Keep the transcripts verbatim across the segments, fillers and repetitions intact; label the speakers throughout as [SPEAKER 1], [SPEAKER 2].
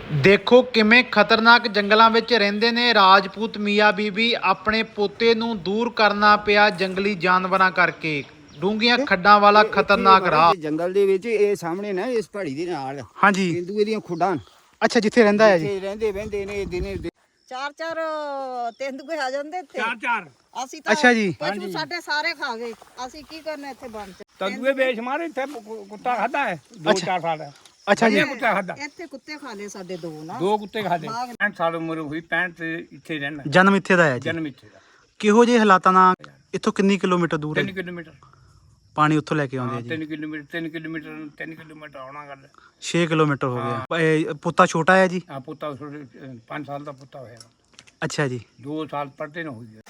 [SPEAKER 1] ਦੇਖੋ ਕਿਵੇਂ ਖਤਰਨਾਕ ਜੰਗਲਾਂ ਵਿੱਚ ਰਹਿੰਦੇ ਨੇ ਰਾਜਪੂਤ ਮੀਆਂ ਬੀਬੀ। ਆਪਣੇ ਪੋਤੇ ਨੂੰ ਦੂਰ ਕਰਨਾ ਪਿਆ ਜੰਗਲੀ ਜਾਨਵਰਾਂ ਕਰਕੇ। ਡੂੰਘੀਆਂ ਖੱਡਾਂ ਵਾਲਾ ਖਤਰਨਾਕ ਰਾਹ।
[SPEAKER 2] ਜੰਗਲ ਦੇ ਵਿੱਚ ਇਹ ਸਾਹਮਣੇ ਨਾ ਇਸ ਪਹਾੜੀ ਦੇ ਨਾਲ
[SPEAKER 1] ਹਾਂਜੀ
[SPEAKER 2] ਤੇਂਦੂਏ ਦੀਆਂ ਖੁੱਡਾਂ।
[SPEAKER 1] ਅੱਛਾ, ਜਿੱਥੇ ਰਹਿੰਦਾ ਹੈ ਜੀ।
[SPEAKER 2] ਜਿੱਥੇ ਰਹਿੰਦੇ ਵਹਿੰਦੇ ਨੇ ਦਿਨੇ
[SPEAKER 3] ਚਾਰ ਚਾਰ ਤੇਂਦੂਏ ਆ ਜਾਂਦੇ ਇੱਥੇ।
[SPEAKER 4] ਚਾਰ ਚਾਰ
[SPEAKER 3] ਅਸੀਂ ਤਾਂ
[SPEAKER 1] ਅੱਛਾ ਜੀ।
[SPEAKER 3] ਪਸ਼ੂ ਸਾਡੇ ਸਾਰੇ ਖਾ ਗਏ। ਅਸੀਂ ਕੀ ਕਰਨਾ ਇੱਥੇ ਬਣ ਚ।
[SPEAKER 4] ਤੰਦੂਏ ਵੇਚ ਮਾਰੇ ਇੱਥੇ ਕੁੱਤਾ ਖਾਦਾ ਹੈ ਦੋ ਚਾਰ ਸਾਲ ਹੈ।
[SPEAKER 1] ਅੱਛਾ ਜੀ।
[SPEAKER 4] ਕੁੱਤਾ ਖਾਦਾ
[SPEAKER 3] ਇੱਥੇ ਕੁੱਤੇ ਖਾ ਲਏ ਸਾਡੇ ਦੋ ਨਾ।
[SPEAKER 4] ਦੋ ਕੁੱਤੇ ਖਾਦੇ ਪੈਂਹਠ ਸਾਲ ਉਮਰ ਹੋਈ ਪੈਂਹਠ ਤੇ ਇੱਥੇ ਰਹਿਣਾ।
[SPEAKER 1] ਜਨਮ ਇੱਥੇ ਦਾ ਹੈ ਜੀ।
[SPEAKER 4] ਜਨਮ ਇੱਥੇ ਦਾ।
[SPEAKER 1] ਕਿਹੋ ਜਿਹੇ ਹਾਲਾਤਾਂ ਨਾਲ ਇੱਥੋਂ ਕਿੰਨੀ ਕਿਲੋਮੀਟਰ ਦੂਰ ਹੈ?
[SPEAKER 4] ਤਿੰਨ ਕਿਲੋਮੀਟਰ
[SPEAKER 1] ਪਾਣੀ ਉੱਥੋਂ ਲੈ ਕੇ ਆਉਂਦੇ ਆ ਜੀ।
[SPEAKER 4] ਤਿੰਨ ਕਿਲੋਮੀਟਰ ਤਿੰਨ ਕਿਲੋਮੀਟਰ ਤਿੰਨ ਕਿਲੋਮੀਟਰ ਆਉਣਾ ਗੱਲ।
[SPEAKER 1] ਛੇ ਕਿਲੋਮੀਟਰ ਹੋ ਗਿਆ। ਇਹ ਪੁੱਤਾ ਛੋਟਾ ਹੈ ਜੀ।
[SPEAKER 4] ਆ ਪੁੱਤਾ ਪੰਜ ਸਾਲ ਦਾ ਪੁੱਤਾ ਹੋਇਆ।
[SPEAKER 1] ਅੱਛਾ ਜੀ।
[SPEAKER 4] ਦੋ ਸਾਲ ਪੜ੍ਹਦੇ ਨਾ ਹੋਈ ਗਿਆ।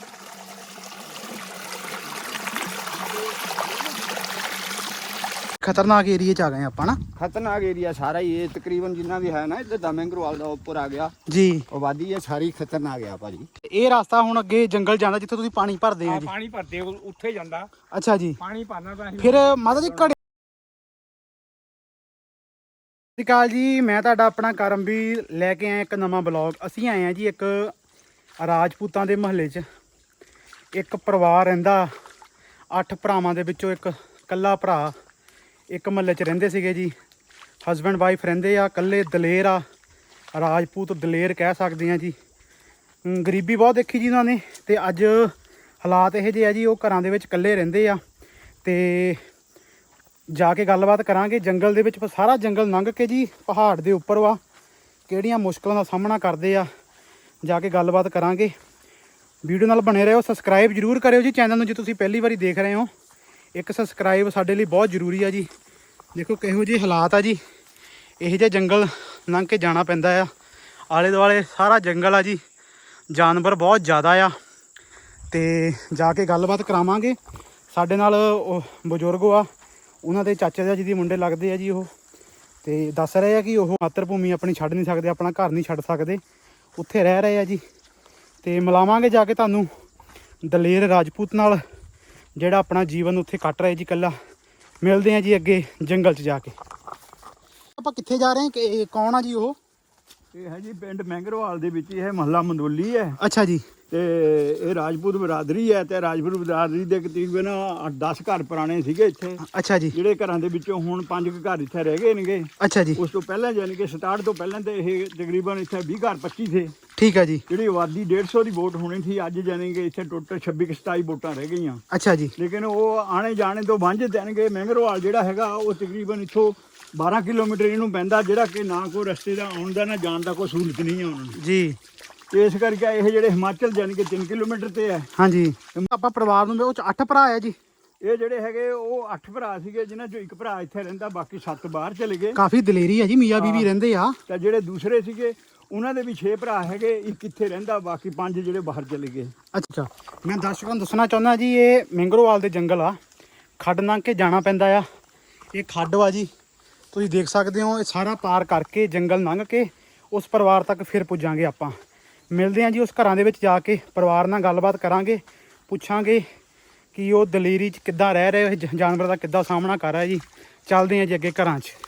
[SPEAKER 1] ਖਤਰਨਾਕ ਏਰੀਏ ਚ ਆ ਗਏ ਆਪਾਂ ਨਾ।
[SPEAKER 2] ਖਤਰਨਾਕ ਏਰੀਆ ਸਾਰਾ ਹੀ ਇਹ ਤਕਰੀਬਨ ਜਿੰਨਾ ਵੀ ਹੈ ਨਾ ਇੱਧਰ ਦਾ ਮੈਂਗਰੋਵਾਲ ਦਾ ਉੱਪਰ ਆ ਗਿਆ
[SPEAKER 1] ਜੀ।
[SPEAKER 2] ਆਬਾਦੀ ਇਹ ਸਾਰੀ ਖਤਰਨਾਕ ਆ ਭਾਜੀ।
[SPEAKER 1] ਇਹ ਰਸਤਾ ਹੁਣ ਅੱਗੇ ਜੰਗਲ ਜਾਂਦਾ ਜਿੱਥੇ ਤੁਸੀਂ ਪਾਣੀ ਭਰਦੇ ਆ ਜੀ।
[SPEAKER 4] ਪਾਣੀ ਭਰਦੇ ਉੱਥੇ ਜਾਂਦਾ।
[SPEAKER 1] ਅੱਛਾ ਜੀ।
[SPEAKER 4] ਪਾਣੀ ਭਰਨਾ ਤਾਂ
[SPEAKER 1] ਫਿਰ ਮਾਤਾ ਜੀ ਘੜੇ। ਸਤਿ ਸ਼੍ਰੀ ਅਕਾਲ ਜੀ, ਮੈਂ ਤੁਹਾਡਾ ਆਪਣਾ ਕਰਮਵੀਰ ਲੈ ਕੇ ਆਇਆ ਇੱਕ ਨਵਾਂ ਬਲੌਗ। ਅਸੀਂ ਆਏ ਆ ਜੀ ਇੱਕ ਰਾਜਪੂਤਾਂ ਦੇ ਮਹੱਲੇ 'ਚ। ਇੱਕ ਪਰਿਵਾਰ ਰਹਿੰਦਾ, ਅੱਠ ਭਰਾਵਾਂ ਦੇ ਵਿੱਚੋਂ ਇੱਕ ਇਕੱਲਾ ਭਰਾ ਇੱਕ ਮਹੱਲੇ 'ਚ ਰਹਿੰਦੇ ਸੀਗੇ ਜੀ। ਹਸਬੈਂਡ ਵਾਈਫ ਰਹਿੰਦੇ ਆ, ਇਕੱਲੇ ਦਲੇਰ ਆ, ਰਾਜਪੂਤ ਦਲੇਰ ਕਹਿ ਸਕਦੇ ਆ ਜੀ। ਗਰੀਬੀ ਬਹੁਤ ਦੇਖੀ ਜੀ ਉਹਨਾਂ ਨੇ, ਅਤੇ ਅੱਜ ਹਾਲਾਤ ਇਹੋ ਜਿਹੇ ਆ ਜੀ, ਉਹ ਘਰਾਂ ਦੇ ਵਿੱਚ ਇਕੱਲੇ ਰਹਿੰਦੇ ਆ। ਅਤੇ ਜਾ ਕੇ ਗੱਲਬਾਤ ਕਰਾਂਗੇ ਜੰਗਲ ਦੇ ਵਿੱਚ। ਸਾਰਾ ਜੰਗਲ ਲੰਘ ਕੇ ਜੀ ਪਹਾੜ ਦੇ ਉੱਪਰ ਵਾ, ਕਿਹੜੀਆਂ ਮੁਸ਼ਕਲਾਂ ਦਾ ਸਾਹਮਣਾ ਕਰਦੇ ਆ, ਜਾ ਕੇ ਗੱਲਬਾਤ ਕਰਾਂਗੇ। ਵੀਡੀਓ ਨਾਲ ਬਣੇ ਰਹੋ। ਸਬਸਕ੍ਰਾਈਬ ਜ਼ਰੂਰ ਕਰਿਓ ਜੀ ਚੈਨਲ ਨੂੰ ਜੇ ਤੁਸੀਂ ਪਹਿਲੀ ਵਾਰੀ ਦੇਖ ਰਹੇ ਹੋ। ਇੱਕ ਸਬਸਕ੍ਰਾਈਬ ਸਾਡੇ ਲਈ ਬਹੁਤ ਜ਼ਰੂਰੀ ਆ ਜੀ। ਦੇਖੋ ਕਿਹੋ ਜਿਹੇ ਹਾਲਾਤ ਆ ਜੀ। ਇਹੋ ਜਿਹੇ ਜੰਗਲ ਲੰਘ ਕੇ ਜਾਣਾ ਪੈਂਦਾ ਆ। ਆਲੇ ਦੁਆਲੇ ਸਾਰਾ ਜੰਗਲ ਆ ਜੀ, ਜਾਨਵਰ ਬਹੁਤ ਜ਼ਿਆਦਾ ਆ। ਅਤੇ ਜਾ ਕੇ ਗੱਲਬਾਤ ਕਰਾਵਾਂਗੇ। ਸਾਡੇ ਨਾਲ ਉਹ ਬਜ਼ੁਰਗ ਆ, ਉਹਨਾਂ ਦੇ ਚਾਚਾ ਜੀ ਦੀ ਮੁੰਡੇ ਲੱਗਦੇ ਆ ਜੀ ਉਹ। ਅਤੇ ਦੱਸ ਰਹੇ ਆ ਕਿ ਉਹ ਮਾਤਰ ਭੂਮੀ ਆਪਣੀ ਛੱਡ ਨਹੀਂ ਸਕਦੇ, ਆਪਣਾ ਘਰ ਨਹੀਂ ਛੱਡ ਸਕਦੇ, ਉੱਥੇ ਰਹਿ ਰਹੇ ਆ ਜੀ। ਅਤੇ ਮਿਲਾਵਾਂਗੇ ਜਾ ਕੇ ਤੁਹਾਨੂੰ ਦਲੇਰ ਰਾਜਪੂਤ ਨਾਲ, ਜਿਹੜਾ ਆਪਣਾ ਜੀਵਨ ਉੱਥੇ ਕੱਟ ਰਿਹਾ ਜੀ ਇਕੱਲਾ। ਮਿਲਦੇ ਆ ਜੀ ਅੱਗੇ ਜੰਗਲ 'ਚ ਜਾ ਕੇ। ਆਪਾਂ ਕਿੱਥੇ ਜਾ ਰਹੇ ਹਾਂ? ਕਿ ਕੌਣ ਆ ਜੀ ਉਹ?
[SPEAKER 2] ਇਹ ਹੈ ਜੀ ਪਿੰਡ ਮੈਂਗਰੋਵਾਲ ਦੇ ਵਿੱਚ ਇਹ ਮਹੱਲਾ ਮੰਦੋਲੀ ਹੈ।
[SPEAKER 1] ਅੱਛਾ ਜੀ।
[SPEAKER 2] ਤੇ ਇਹ ਰਾਜਪੂਤ ਬਰਾਦਰੀ ਹੈ, ਤੇ ਰਾਜਪੂਤ ਬਰਾਦਰੀ ਦੇ ਤਕਰੀਬਨ ਅੱਠ ਦਸ ਘਰ ਪੁਰਾਣੇ ਸੀਗੇ ਇੱਥੇ।
[SPEAKER 1] ਅੱਛਾ ਜੀ।
[SPEAKER 2] ਜਿਹੜੇ ਘਰਾਂ ਦੇ ਵਿੱਚੋਂ ਹੁਣ ਪੰਜ ਕੁ ਘਰ ਇੱਥੇ ਰਹਿ ਗਏ ਨੇਗੇ।
[SPEAKER 1] ਅੱਛਾ ਜੀ।
[SPEAKER 2] ਉਸ ਤੋਂ ਪਹਿਲਾਂ ਯਾਨੀ ਕਿ ਸਟਾਰਟ ਤੋਂ ਪਹਿਲਾਂ ਤੇ ਇਹ ਤਕਰੀਬਨ ਇੱਥੇ ਵੀਹ ਘਰ ਪੱਚੀ ਥੇ।
[SPEAKER 1] ਠੀਕ ਹੈ ਜੀ।
[SPEAKER 2] ਜਿਹੜੀ ਆਬਾਦੀ ਡੇਢ ਸੌ ਦੀ ਵੋਟ ਹੋਣੀ ਸੀ, ਅੱਜ ਯਾਨੀ ਕਿ ਇੱਥੇ ਟੋਟਲ ਛੱਬੀ ਕੁ ਸਤਾਈ ਵੋਟਾਂ ਰਹਿ ਗਈਆਂ।
[SPEAKER 1] ਅੱਛਾ ਜੀ।
[SPEAKER 2] ਲੇਕਿਨ ਉਹ ਆਣੇ ਜਾਣੇ ਤੋਂ ਵਾਂਝੇ ਦੇਣਗੇ। ਮੈਂਗਰੋਵਾਲ ਜਿਹੜਾ ਹੈਗਾ ਉਹ ਤਕਰੀਬਨ ਇੱਥੋਂ ਬਾਰਾਂ ਕਿਲੋਮੀਟਰ ਇਹਨੂੰ ਪੈਂਦਾ, ਜਿਹੜਾ ਕਿ ਨਾ ਕੋਈ ਰਸਤੇ ਦਾ ਆਉਣ ਦਾ ਨਾ ਜਾਣ ਦਾ ਕੋਈ ਸਹੂਲਤ ਨਹੀਂ ਹੈ ਉਹਨਾਂ ਨੂੰ
[SPEAKER 1] ਜੀ।
[SPEAKER 2] ਇਸ ਕਰਕੇ ਇਹ ਜਿਹੜੇ ਹਿਮਾਚਲ ਜਾਣੀ ਕਿ ਤਿੰਨ ਕਿਲੋਮੀਟਰ ਤੇ ਹੈ।
[SPEAKER 1] ਹਾਂਜੀ। ਆਪਾਂ ਪਰਿਵਾਰ ਨੂੰ ਉਹ 'ਚ ਅੱਠ ਭਰਾ ਆ ਜੀ।
[SPEAKER 2] ਇਹ ਜਿਹੜੇ ਹੈਗੇ ਉਹ ਅੱਠ ਭਰਾ ਸੀਗੇ, ਜਿਨ੍ਹਾਂ ਚੋਂ ਇੱਕ ਭਰਾ ਇੱਥੇ ਰਹਿੰਦਾ, ਬਾਕੀ ਸੱਤ ਬਾਹਰ ਚਲੇ ਗਏ।
[SPEAKER 1] ਕਾਫੀ ਦਲੇਰੀ ਆ ਜੀ, ਮੀਆਂ ਬੀਬੀ ਰਹਿੰਦੇ ਆ।
[SPEAKER 2] ਤਾਂ ਜਿਹੜੇ ਦੂਸਰੇ ਸੀਗੇ ਉਹਨਾਂ ਦੇ ਵੀ ਛੇ ਭਰਾ ਹੈਗੇ, ਇੱਕ ਇੱਥੇ ਰਹਿੰਦਾ, ਬਾਕੀ ਪੰਜ ਜਿਹੜੇ ਬਾਹਰ ਚਲੇ ਗਏ।
[SPEAKER 1] ਅੱਛਾ, ਮੈਂ ਦਰਸ਼ਕਾਂ ਨੂੰ ਦੱਸਣਾ ਚਾਹੁੰਦਾ ਜੀ, ਇਹ ਮੈਂਗਰੋਵਾਲ ਦੇ ਜੰਗਲ ਆ, ਖੱਡ ਲੰਘ ਕੇ ਜਾਣਾ ਪੈਂਦਾ ਆ। ਇਹ ਖੱਡ ਵਾ ਜੀ, ਤੁਸੀਂ ਦੇਖ ਸਕਦੇ ਹੋ। ਇਹ ਸਾਰਾ ਪਾਰ ਕਰਕੇ ਜੰਗਲ ਲੰਘ ਕੇ ਉਸ ਪਰਿਵਾਰ ਤੱਕ ਫਿਰ ਪੁੱਜਾਂਗੇ ਆਪਾਂ। ਮਿਲਦੇ ਹਾਂ ਜੀ ਉਸ ਘਰਾਂ ਦੇ ਵਿੱਚ ਜਾ ਕੇ, ਪਰਿਵਾਰ ਨਾਲ ਗੱਲਬਾਤ ਕਰਾਂਗੇ, ਪੁੱਛਾਂਗੇ ਕਿ ਉਹ ਦਲੇਰੀ 'ਚ ਕਿੱਦਾਂ ਰਹਿ ਰਹੇ, ਜਾਨਵਰ ਦਾ ਕਿੱਦਾਂ ਸਾਹਮਣਾ ਕਰ ਰਿਹਾ ਜੀ। ਚੱਲਦੇ ਹਾਂ ਜੀ ਅੱਗੇ ਘਰਾਂ 'ਚ।